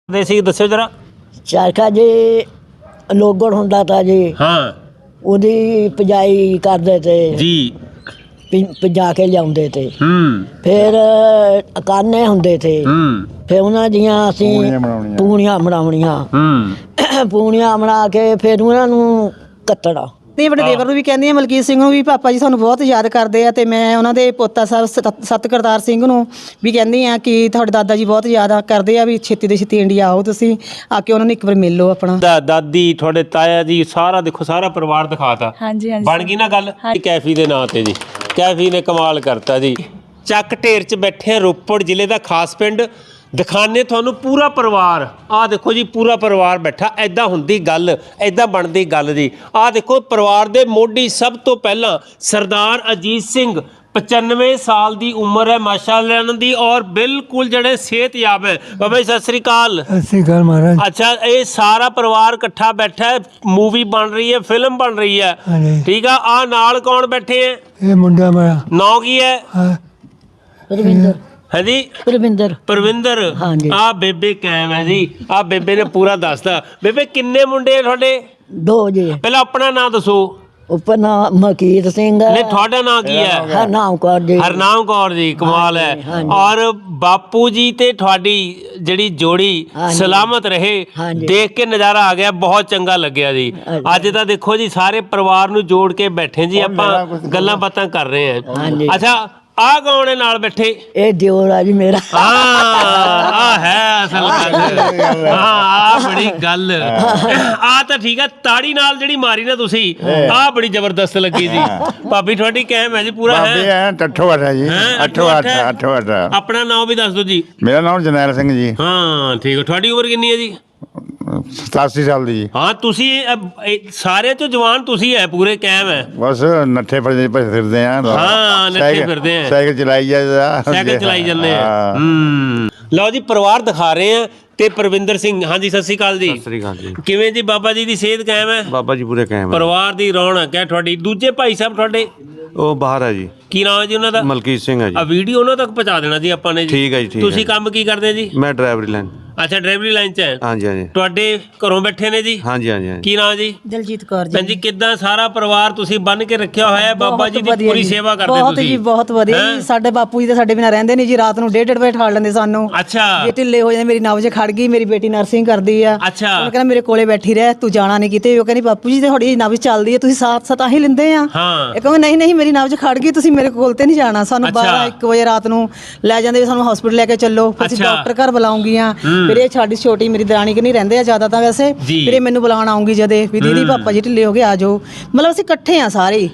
ਦੱਸਿਓ ਜਰਾ। ਚਰਖਾ ਜੀ ਲੋਗੜ ਹੁੰਦਾ ਤਾਂ ਜੀ, ਹਾਂ ਉਹਦੀ ਪਜਾਈ ਕਰਦੇ ਤੇ ਜੀ। ਪਜਾ ਕੇ ਲਿਆਉਂਦੇ ਤੇ, ਹੂੰ ਫਿਰ ਕਾਨੇ ਹੁੰਦੇ ਤੇ, ਹੂੰ ਫਿਰ ਉਹਨਾਂ ਦੀਆਂ ਅਸੀਂ ਪੂਣੀਆਂ ਬਣਾਉਣੀਆਂ, ਪੂਣੀਆਂ ਬਣਾ ਕੇ ਫਿਰ ਉਹਨਾਂ ਨੂੰ ਕੱਤਣਾ। ਨਹੀਂ, ਆਪਣੇ ਦੇਵਰ ਨੂੰ ਵੀ ਕਹਿੰਦੀ ਹਾਂ, ਮਲਕੀਤ ਸਿੰਘ ਨੂੰ ਵੀ, ਪਾਪਾ ਜੀ ਸਾਨੂੰ ਬਹੁਤ ਯਾਦ ਕਰਦੇ ਆ। ਅਤੇ ਮੈਂ ਉਹਨਾਂ ਦੇ ਪੋਤਾ ਸਾਹਿਬ ਸਤ ਕਰਤਾਰ ਸਿੰਘ ਨੂੰ ਵੀ ਕਹਿੰਦੀ ਹਾਂ ਕਿ ਤੁਹਾਡੇ ਦਾਦਾ ਜੀ ਬਹੁਤ ਯਾਦ ਕਰਦੇ ਆ, ਵੀ ਛੇਤੀ ਤੋਂ ਛੇਤੀ ਇੰਡੀਆ ਆਓ, ਤੁਸੀਂ ਆ ਕੇ ਉਹਨਾਂ ਨੂੰ ਇੱਕ ਵਾਰ ਮਿਲ ਲਓ ਆਪਣਾ। ਦਾਦੀ ਤੁਹਾਡੇ ਤਾਇਆ ਜੀ ਸਾਰਾ ਦੇਖੋ, ਸਾਰਾ ਪਰਿਵਾਰ ਦਿਖਾਤਾ। ਹਾਂਜੀ ਹਾਂਜੀ ਬਣ ਗਈ ਨਾ ਗੱਲ। ਕੈਫੀ ਦੇ ਨਾਂ ਤੇ ਜੀ, ਕੈਫੀ ਨੇ ਕਮਾਲ ਕਰਤਾ ਜੀ। ਚੱਕ ਢੇਰ 'ਚ ਬੈਠੇ ਰੋਪੜ ਜ਼ਿਲ੍ਹੇ ਦਾ ਖਾਸ ਪਿੰਡ, ਦਿਖਾਣੇ ਤੁਹਾਨੂੰ ਪੂਰਾ ਪਰਿਵਾਰ। ਆਹ ਦੇਖੋ ਜੀ, ਪੂਰਾ ਪਰਿਵਾਰ ਬੈਠਾ। ਐਦਾਂ ਹੁੰਦੀ ਗੱਲ, ਐਦਾਂ ਬਣਦੀ ਗੱਲ ਜੀ। ਆਹ ਦੇਖੋ ਪਰਿਵਾਰ ਦੇ ਮੋਢੀ ਸਭ ਤੋਂ ਪਹਿਲਾਂ ਸਰਦਾਰ ਅਜੀਤ ਸਿੰਘ, 95 ਸਾਲ ਦੀ ਉਮਰ ਹੈ ਮਾਸ਼ਾਅੱਲਾ ਇਹਨਾਂ ਦੀ, ਔਰ ਬਿਲਕੁਲ ਜਿਹੜੇ ਸਿਹਤਯਾਬ ਹੈ। ਬਾਬਾ ਜੀ ਸਤਿ ਸ੍ਰੀ ਅਕਾਲ। ਸਤਿ ਸ੍ਰੀ ਅਕਾਲ ਮਹਾਰਾਜ। ਅੱਛਾ, ਇਹ ਸਾਰਾ ਪਰਿਵਾਰ ਇਕੱਠਾ ਬੈਠਾ ਹੈ, ਮੂਵੀ ਬਣ ਰਹੀ ਹੈ, ਫਿਲਮ ਬਣ ਰਹੀ ਹੈ, ਠੀਕ ਆ। ਆਹ ਨਾਲ ਕੌਣ ਬੈਠੇ ਹੈ? ਇਹ ਮੁੰਡਾ ਮੇਰਾ। ਨਾਂ ਕੀ ਹੈ? ਪਰਵਿੰਦਰ। ਹਾਂਜੀ ਪਰਵਿੰਦਰ। ਆ ਬੇਬੇ ਕਾਇਮ ਹੈ ਜੀ। ਆ ਬੇਬੇ ਨੇ ਪੂਰਾ ਦੱਸਦਾ। ਬੇਬੇ ਕਿੰਨੇ ਮੁੰਡੇ ਆ ਤੁਹਾਡੇ? 2 ਜੀ। ਪਹਿਲਾਂ ਆਪਣਾ ਨਾਂ ਦੱਸੋ। ਉੱਪਰ ਨਾਮ ਮਲਕੀਤ ਸਿੰਘ। ਨਹੀਂ, ਤੁਹਾਡਾ ਨਾਂ ਕੀ ਹੈ? ਹਰਨਾਮ ਕੌਰ ਜੀ। ਹਰਨਾਮ ਕੌਰ ਜੀ, ਕਮਾਲ ਹੈ। ਔਰ ਬਾਪੂ ਜੀ ਤੇ ਤੁਹਾਡੀ ਜਿਹੜੀ ਜੋੜੀ ਸਲਾਮਤ ਰਹੇ, ਦੇਖ ਕੇ ਨਜ਼ਾਰਾ ਆ ਗਿਆ, ਬਹੁਤ ਚੰਗਾ ਲੱਗਿਆ ਜੀ। ਅੱਜ ਤਾਂ ਦੇਖੋ ਜੀ, ਸਾਰੇ ਪਰਿਵਾਰ ਨੂੰ ਜੋੜ ਕੇ ਬੈਠੇ ਜੀ, ਆਪਾਂ ਗੱਲਾਂ ਬਾਤਾਂ ਕਰ ਰਹੇ ਹਾਂ। ਅੱਛਾ, ਆ ਕੌਣ ਹੈ ਨਾਲ ਬੈਠੇ? ਇਹ ਦਿਓਰ ਆ ਜੀ ਮੇਰਾ। ਆ ਹੈ ਅਸਲ ਗੱਲ। ਆ ਬੜੀ ਗੱਲ। ਆ ਤਾਂ ਠੀਕ ਹੈ, ਤਾੜੀ ਨਾਲ ਜਿਹੜੀ ਮਾਰੀ ਨਾ ਤੁਸੀਂ, ਆ ਬੜੀ ਜ਼ਬਰਦਸਤ ਲੱਗੀ ਜੀ। ਭਾਬੀ ਤੁਹਾਡੀ ਕਾਇਮ ਹੈ ਜੀ ਪੂਰਾ? ਹੈ ਅੱਠੋ ਅੱਠ ਜੀ। ਅੱਠੋ ਅੱਠ। ਆਪਣਾ ਨਾਮ ਵੀ ਦੱਸ ਦਿਓ ਜੀ। ਮੇਰਾ ਨਾਮ ਜਰਨੈਲ ਸਿੰਘ ਜੀ। ਹਾਂ ਠੀਕ ਹੈ। ਤੁਹਾਡੀ ਉਮਰ ਕਿੰਨੀ ਹੈ ਜੀ? 87 ਸਾਲ ਦੀ ਜੀ। ਹਾਂ, ਤੁਸੀਂ ਸਾਰੇ ਤੋਂ ਜਵਾਨ ਤੁਸੀਂ ਹੈ, ਪੂਰੇ ਕਾਇਮ ਹੈ। ਬਸ ਨੱਠੇ ਫਿਰਦੇ ਆ। ਹਾਂ, ਨੱਠੇ ਫਿਰਦੇ ਆ। ਸਾਈਕਲ ਚਲਾਈ ਜਾਂਦੇ ਆ। ਲਓ ਜੀ, ਪਰਿਵਾਰ ਦਿਖਾ ਰਹੇ ਆ। ਤੇ ਪਰਵਿੰਦਰ ਸਿੰਘ, ਹਾਂਜੀ ਸਤਿ ਸ੍ਰੀ ਅਕਾਲ ਜੀ। ਸਤਿ ਸ੍ਰੀ ਅਕਾਲ ਜੀ। ਕਿਵੇਂ ਜੀ, ਬਾਬਾ ਜੀ ਦੀ ਸਿਹਤ ਕਾਇਮ ਹੈ? ਬਾਬਾ ਜੀ ਪੂਰੇ ਕਾਇਮ ਹੈ। ਪਰਿਵਾਰ ਦੀ ਰੌਣਕ ਹੈ ਤੁਹਾਡੀ। ਦੂਜੇ ਭਾਈ ਸਾਹਿਬ ਤੁਹਾਡੇ? ਉਹ ਬਾਹਰ ਹੈ ਜੀ। ਕੀ ਨਾਮ ਹੈ ਜੀ ਉਹਨਾਂ ਦਾ? ਮਲਕੀਤ ਸਿੰਘ ਹੈ ਜੀ। ਆ ਵੀਡੀਓ ਉਹਨਾਂ ਤੱਕ ਪਹੁੰਚਾ ਦੇਣਾ ਜੀ ਆਪਾਂ ਨੇ ਜੀ। ਠੀਕ ਹੈ ਜੀ, ਠੀਕ ਹੈ। ਤੁਸੀਂ ਕੰਮ ਕੀ ਕਰਦੇ ਜੀ? ਮੈਂ ਡਰਾਈਵਰੀ ਲਾਈਨ। ਅੱਛਾ, ਡਰਾਈਵਰੀ ਲਾਈਨ 'ਚ ਹੈ। ਹਾਂਜੀ ਹਾਂਜੀ। ਤੁਹਾਡੇ ਘਰੋਂ ਬੈਠੇ ਨੇ ਜੀ? ਹਾਂਜੀ ਹਾਂਜੀ। ਕੀ ਨਾਮ ਜੀ? ਦਲਜੀਤ ਕੌਰ ਜੀ। ਭੈਣ ਜੀ, ਕਿੱਦਾਂ ਸਾਰਾ ਪਰਿਵਾਰ ਤੁਸੀਂ ਬੰਨ ਕੇ ਰੱਖਿਆ ਹੋਇਆ ਹੈ? ਬਾਬਾ ਜੀ ਦੀ ਪੂਰੀ ਸੇਵਾ ਕਰਦੇ ਬਹੁਤ ਜੀ, ਬਹੁਤ ਵਧੀਆ ਜੀ। ਸਾਡੇ ਬਾਪੂ ਜੀ ਤੇ ਸਾਡੇ ਬਿਨਾਂ ਰਹਿੰਦੇ ਨਹੀਂ ਜੀ। ਰਾਤ ਨੂੰ 1:30 ਵਜੇ ਠਾਲ ਲੈਂਦੇ ਸਾਨੂੰ। ਅੱਛਾ। ਜੇ ਢਿੱਲੇ ਹੋ ਜਾਂਦੇ, ਮੇਰੀ ਨਬਜ਼ ਖੜ ਗਈ। ਮੇਰੀ ਬੇਟੀ ਨਰਸਿੰਗ ਕਰਦੀ ਆ। ਅੱਛਾ। ਉਹ ਕਹਿੰਦਾ ਮੇਰੇ ਕੋਲੇ ਬੈਠੀ ਰਹਿ, ਤੂੰ ਜਾਣਾ ਨਹੀਂ ਕਿਤੇ। ਉਹ ਕਹਿੰਦੀ ਬਾਪੂ ਜੀ ਤੇ ਤੁਹਾਡੀ ਨਬਜ਼ ਚੱਲਦੀ ਹੈ, ਤੁਸੀਂ ਸਾਥ ਤਾਂ ਹੀ ਲੈਂਦੇ ਆ। ਹਾਂ। ਇਹ ਕਹਿੰਦਾ ਨਹੀਂ ਨਹੀਂ, ਮੇਰੀ ਨਬਜ਼ ਖੜ ਗਈ, ਤੁਸੀਂ ਮੇਰੇ ਕੋਲ ਤੇ ਨਹੀਂ ਜਾਣਾ। ਸਾਨੂੰ 12-1 ਵਜੇ ਰਾਤ ਨੂੰ ਲੈ ਜਾਂਦੇ, ਸਾਨੂੰ ਹਸਪੀਟਲ ਲੈ ਕੇ ਚੱਲੋ, ਫਿਰ ਅਸੀਂ ਡਾਕਟਰ ਘਰ ਬੁਲਾਉਂਗੀਆਂ। ਫਿਰ ਇਹ ਸਾਡੀ ਛੋਟੀ ਮੇਰੀ ਦਰਾਣੀ ਕਿ ਨਹੀਂ ਰਹਿੰਦੇ ਆ ਜ਼ਿਆਦਾ ਤਾਂ ਵੈਸੇ, ਫਿਰ ਇਹ ਮੈਨੂੰ ਬੁਲਾਉਣ ਆਉਂਗੀ ਜਦੇ ਵੀ ਦੀਦੀ ਪਾਪਾ ਜੀ ਢਿੱਲੇ ਹੋ ਗਏ, ਆ ਜਾਓ। ਮਤਲਬ ਅਸੀਂ ਇਕੱਠੇ ਆ ਸਾਰੇ।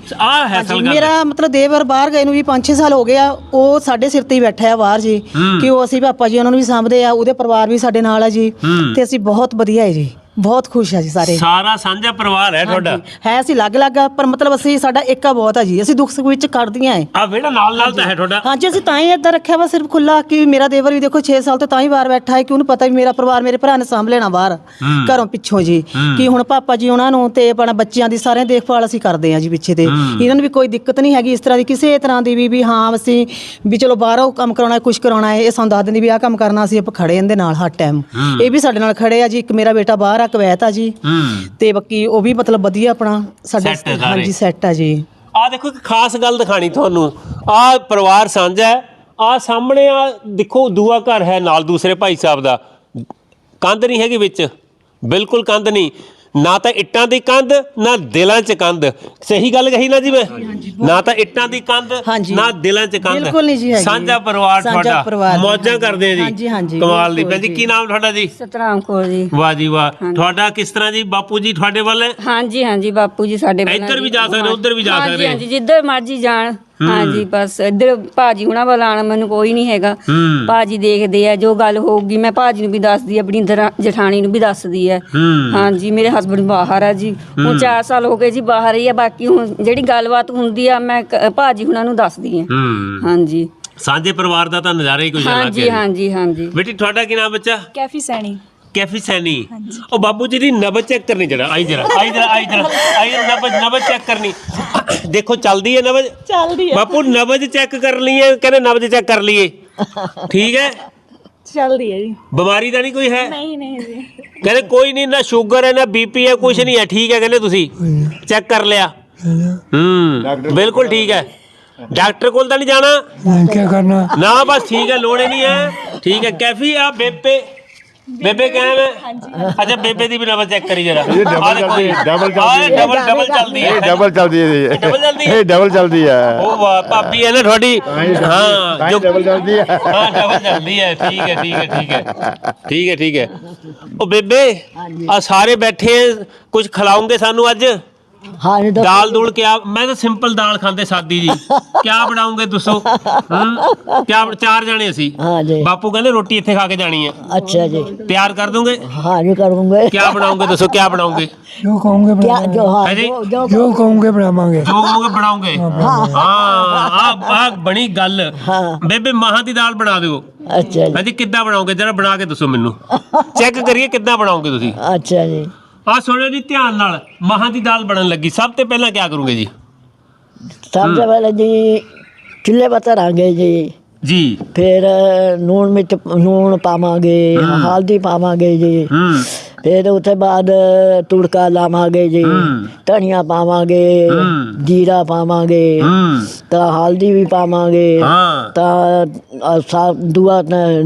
ਮੇਰਾ ਮਤਲਬ ਦੇਵਰ ਬਾਹਰ ਗਏ ਨੂੰ ਵੀ 5-6 ਸਾਲ ਹੋ ਗਏ ਆ। ਉਹ ਸਾਡੇ ਸਿਰ ਤੇ ਹੀ ਬੈਠਾ ਆ ਬਾਹਰ ਜੀ, ਕਿ ਉਹ ਅਸੀਂ ਪਾਪਾ ਜੀ ਉਹਨਾਂ ਨੂੰ ਵੀ ਸਾਂਭਦੇ ਆ। ਉਹਦੇ ਪਰਿਵਾਰ ਵੀ ਸਾਡੇ ਨਾਲ ਆ ਜੀ, ਤੇ ਅਸੀਂ ਬਹੁਤ ਵਧੀਆ ਹੈ ਜੀ, ਬਹੁਤ ਖੁਸ਼ ਆ ਜੀ। ਸਾਰੇ ਸਾਰਾ ਸਾਂਝਾ ਪਰਿਵਾਰ ਹੈ ਤੁਹਾਡਾ? ਹੈ, ਅਸੀਂ ਅਲੱਗ-ਅਲੱਗ ਆ, ਪਰ ਮਤਲਬ ਅਸੀਂ ਸਾਡਾ ਏਕਾ ਬਹੁਤ ਆ ਜੀ। ਅਸੀਂ ਦੁੱਖ ਸੁੱਖ ਵਿੱਚ ਕੱਢਦੀਆਂ ਹੈ। ਆ ਵਿਹੜਾ ਨਾਲ ਤਾਂ ਹੈ ਤੁਹਾਡਾ? ਹਾਂਜੀ, ਅਸੀਂ ਤਾਂ ਹੀ ਏਦਾਂ ਰੱਖਿਆ ਵਾ ਸਿਰਫ ਖੁੱਲਾ, ਕਿ ਮੇਰਾ ਦੇਵਰ ਵੀ ਦੇਖੋ 6 ਸਾਲ ਤੋਂ ਤਾਂ ਹੀ ਬਾਹਰ ਬੈਠਾ ਹੈ, ਕਿ ਉਹਨੂੰ ਪਤਾ ਵੀ ਮੇਰਾ ਪਰਿਵਾਰ ਮੇਰੇ ਭਰਾ ਨੇ ਸਾਂਭ ਲੈਣਾ ਬਾਹਰ ਘਰੋਂ ਪਿੱਛੋਂ ਜੀ। ਕਿ ਹੁਣ ਪਾਪਾ ਜੀ ਉਹਨਾਂ ਨੂੰ ਤੇ ਆਪਣਾ ਬੱਚਿਆਂ ਦੀ ਸਾਰਿਆਂ ਦੇਖਭਾਲ ਅਸੀਂ ਕਰਦੇ ਆ ਜੀ ਪਿੱਛੇ ਤੇ। ਇਹਨਾਂ ਨੂੰ ਵੀ ਕੋਈ ਦਿੱਕਤ ਨਹੀਂ ਹੈਗੀ ਇਸ ਤਰ੍ਹਾਂ ਦੀ, ਕਿਸੇ ਤਰ੍ਹਾਂ ਦੀ ਵੀ ਹਾਂ ਅਸੀਂ ਵੀ ਚਲੋ ਬਾਹਰੋਂ ਕੰਮ ਕਰਾਉਣਾ, ਕੁਛ ਕਰਾਉਣਾ ਹੈ, ਇਹ ਸਾਨੂੰ ਦੱਸ ਦਿੰਦੀ ਵੀ ਆਹ ਕੰਮ ਕਰਨਾ, ਅਸੀਂ ਆਪਾਂ ਖੜੇ ਇਹਦੇ ਨਾਲ ਹਰ ਟਾਈਮ। ਇਹ ਵੀ ਸਾਡੇ ਨਾਲ ਖੜੇ ਆ ਜੀ। ਇੱਕ ਮੇਰਾ ਬੇਟਾ ਬਾਹਰ ਆ, ਕੁਵੈਤ ਆ ਜੀ, ਤੇ ਬਾਕੀ ਉਹ ਵੀ ਮਤਲਬ ਵਧੀਆ ਆਪਣਾ ਸਾਡਾ ਹਾਂਜੀ ਸੈੱਟ ਆ ਜੀ। ਆ ਦੇਖੋ, ਇੱਕ ਖਾਸ ਗੱਲ ਦਿਖਾਣੀ ਤੁਹਾਨੂੰ। ਆ ਪਰਿਵਾਰ ਸਾਂਝਾ ਹੈ। ਆ ਸਾਹਮਣੇ ਆ ਦੇਖੋ, ਦੂਆ ਘਰ ਹੈ ਨਾਲ ਦੂਸਰੇ ਭਾਈ ਸਾਹਿਬ ਦਾ। ਕੰਧ ਨਹੀਂ ਹੈਗੀ ਵਿੱਚ, ਬਿਲਕੁਲ ਕੰਧ ਨਹੀਂ। ਨਾ ਤਾਂ ਇੱਟਾਂ ਦੀ ਕੰਧ, ਨਾ ਦਿਲਾਂ 'ਚ ਕੰਧ। ਸਹੀ ਗੱਲ ਕਹੀ ਨਾ ਜੀ ਮੈਂ? ਨਾ ਤਾਂ ਇੱਟਾਂ ਦੀ ਕੰਧ, ਨਾ ਦਿਲਾਂ 'ਚ ਕੰਧ। ਬਿਲਕੁਲ ਨਹੀਂ ਜੀ। ਸਾਂਝਾ ਪਰਿਵਾਰ ਤੁਹਾਡਾ, ਮੌਜਾਂ ਕਰਦੇ ਆ ਜੀ। ਕਮਾਲ ਦੀ। ਭੈਣ ਜੀ, ਕੀ ਨਾਮ ਤੁਹਾਡਾ ਜੀ? ਸਤਨਾਮ ਕੌਰ ਜੀ। ਵਾਹ ਜੀ ਵਾਹ। ਤੁਹਾਡਾ ਕਿਸ ਤਰ੍ਹਾਂ ਜੀ? ਬਾਪੂ ਜੀ ਤੁਹਾਡੇ ਵੱਲ ਹੈ? ਹਾਂਜੀ ਹਾਂਜੀ, ਬਾਪੂ ਜੀ ਸਾਡੇ ਇੱਧਰ ਵੀ ਜਾ ਸਕਦੇ, ਉੱਧਰ ਵੀ ਜਾ ਸਕਦੇ? ਹਾਂਜੀ, ਜਿੱਧਰ ਮਰਜੀ ਜਾਣ। ਹਾਂਜੀ, ਬਸ ਇੱਧਰ ਭਾਜੀ ਹੁਣਾਂ ਵੱਲ ਆਉਣਾ ਮੈਨੂੰ ਕੋਈ ਨਹੀਂ ਹੈਗਾ। ਭਾਜੀ ਦੇਖਦੇ ਆ, ਜੋ ਗੱਲ ਹੋਊਗੀ ਮੈਂ ਭਾਜੀ ਨੂੰ ਵੀ ਦੱਸਦੀ, ਆਪਣੀ ਜਠਾਣੀ ਨੂੰ ਵੀ ਦੱਸਦੀ ਹੈ। ਹਾਂਜੀ, ਮੇਰੇ ਹਸਬੈਂਡ ਬਾਹਰ ਆ ਜੀ, ਹੁਣ 4 ਸਾਲ ਹੋ ਗਏ ਜੀ ਬਾਹਰ ਹੀ ਆ। ਬਾਕੀ ਹੁਣ ਜਿਹੜੀ ਗੱਲਬਾਤ ਹੁੰਦੀ ਆ ਮੈਂ ਭਾਜੀ ਹੁਣਾਂ ਨੂੰ ਦੱਸਦੀ ਆ। ਹਾਂਜੀ, ਸਾਂਝੇ ਪਰਿਵਾਰ ਦਾ ਤਾਂ ਨਜ਼ਾਰਾ ਹੀ ਕੁਝ ਅਲੱਗ ਹੈ। ਹਾਂਜੀ ਹਾਂਜੀ ਹਾਂਜੀ। ਬੇਟੀ ਤੁਹਾਡਾ ਕੀ ਨਾਮ ਬੱਚਾ? ਕੈਫੀ ਸੈਣੀ। ਕੈਫੀ ਸੈਣੀ। ਉਹ ਬਾਬੂ ਜੀ ਦੀ ਨਬਜ਼ ਚੈੱਕ ਕਰਨੀ ਜਰਾ। ਆਈ ਨਬਜ਼ ਚੈੱਕ ਕਰਨੀ। ਦੇਖੋ ਚੱਲਦੀ ਹੈ ਨਬਜ਼? ਚੱਲਦੀ ਹੈ ਬਾਪੂ। ਨਬਜ਼ ਚੈੱਕ ਕਰ ਲਈਏ, ਕਹਿੰਦੇ ਨਬਜ਼ ਚੈੱਕ ਕਰ ਲਈਏ। ਠੀਕ ਹੈ, ਚੱਲਦੀ ਹੈ ਜੀ। ਬਿਮਾਰੀ ਤਾਂ ਨਹੀਂ ਕੋਈ ਹੈ? ਨਹੀਂ ਨਹੀਂ ਜੀ। ਕਹਿੰਦੇ ਕੋਈ ਨਹੀਂ, ਨਾ ਸ਼ੂਗਰ ਹੈ ਨਾ ਬੀਪੀ ਹੈ, ਕੁਝ ਨਹੀਂ ਹੈ, ਠੀਕ ਹੈ ਕਹਿੰਦੇ ਤੁਸੀਂ ਚੈੱਕ ਕਰ ਲਿਆ? ਬਿਲਕੁਲ ਠੀਕ ਹੈ। ਡਾਕਟਰ ਕੋਲ ਤਾਂ ਨਹੀਂ ਜਾਣਾ? क्या करना ਨਾ ਬਸ ਠੀਕ ਹੈ, ਲੋੜ ਹੀ ਨਹੀਂ ਹੈ। ਠੀਕ ਹੈ ਕੈਫੀ ਆ ਬੇਬੇ ਕਿਵੇਂ ਹੈ? ਅੱਛਾ ਬੇਬੇ ਦੀ ਵੀ ਨੰਬਰ ਚੈੱਕ ਕਰੀ ਜਰਾ। ਇਹ ਡਬਲ ਚੱਲਦੀ ਹੈ, ਡਬਲ ਚੱਲਦੀ ਹੈ। ਡਬਲ ਚੱਲਦੀ ਹੈ। ਇਹ ਡਬਲ ਚੱਲਦੀ ਹੈ। ਡਬਲ ਚੱਲਦੀ ਹੈ? ਇਹ ਡਬਲ ਚੱਲਦੀ ਹੈ। ਉਹ ਵਾਹ ਭਾਬੀ ਹੈ ਨਾ ਤੁਹਾਡੀ। ਹਾਂ ਜੋ ਡਬਲ ਚੱਲਦੀ ਹੈ। ਹਾਂ ਡਬਲ ਚੱਲਦੀ ਹੈ। ਠੀਕ ਹੈ ਠੀਕ ਹੈ ਠੀਕ ਹੈ ਠੀਕ ਹੈ ਠੀਕ ਹੈ। ਉਹ ਬੇਬੇ ਆ ਸਾਰੇ ਬੈਠੇ ਕੁਝ ਖਿਲਾਉਂਗੇ ਸਾਨੂੰ ਅੱਜ? हाँ जी तो दाल दूल क्या? मैं तो सिंपल दाल खाते सादी जी। क्या बनाओगे दसो? क्या 4 जने सी? हाँ जी। बापू कहते रोटी इत्थे खा के जानी है। अच्छा जी। तैयार कर दोगे? हाँ जी करूँगे। क्या बनाओगे दसो? क्या बनाओगे? जो कहोगे क्या जो हाँ है जी? जो कहोगे बनावांगे जो कहोगे बनाओगे। हाँ बनी गल। हाँ। बेबे माह दी दाल बना दो। अच्छा हाँ जी किद्दां बनाओगे जरा बना के दसो मैनू। चेक करिए किद्दां बनाओगे तुसी। अच्छा जी। आ सुनो जी ध्यान नाल, माह दी दाल बनन लगी सब तो पहला क्या करोगे जी? सबसे पहले जी चूल्हे पर धरांगे जी। जी फिर लूण पावांगे, हल्दी पावांगे जी। फिर उसके बाद तुड़का लावांगे जी, धनिया पावांगे, जीरा पावांगे, तो हल्दी भी पावांगे, तो दुआ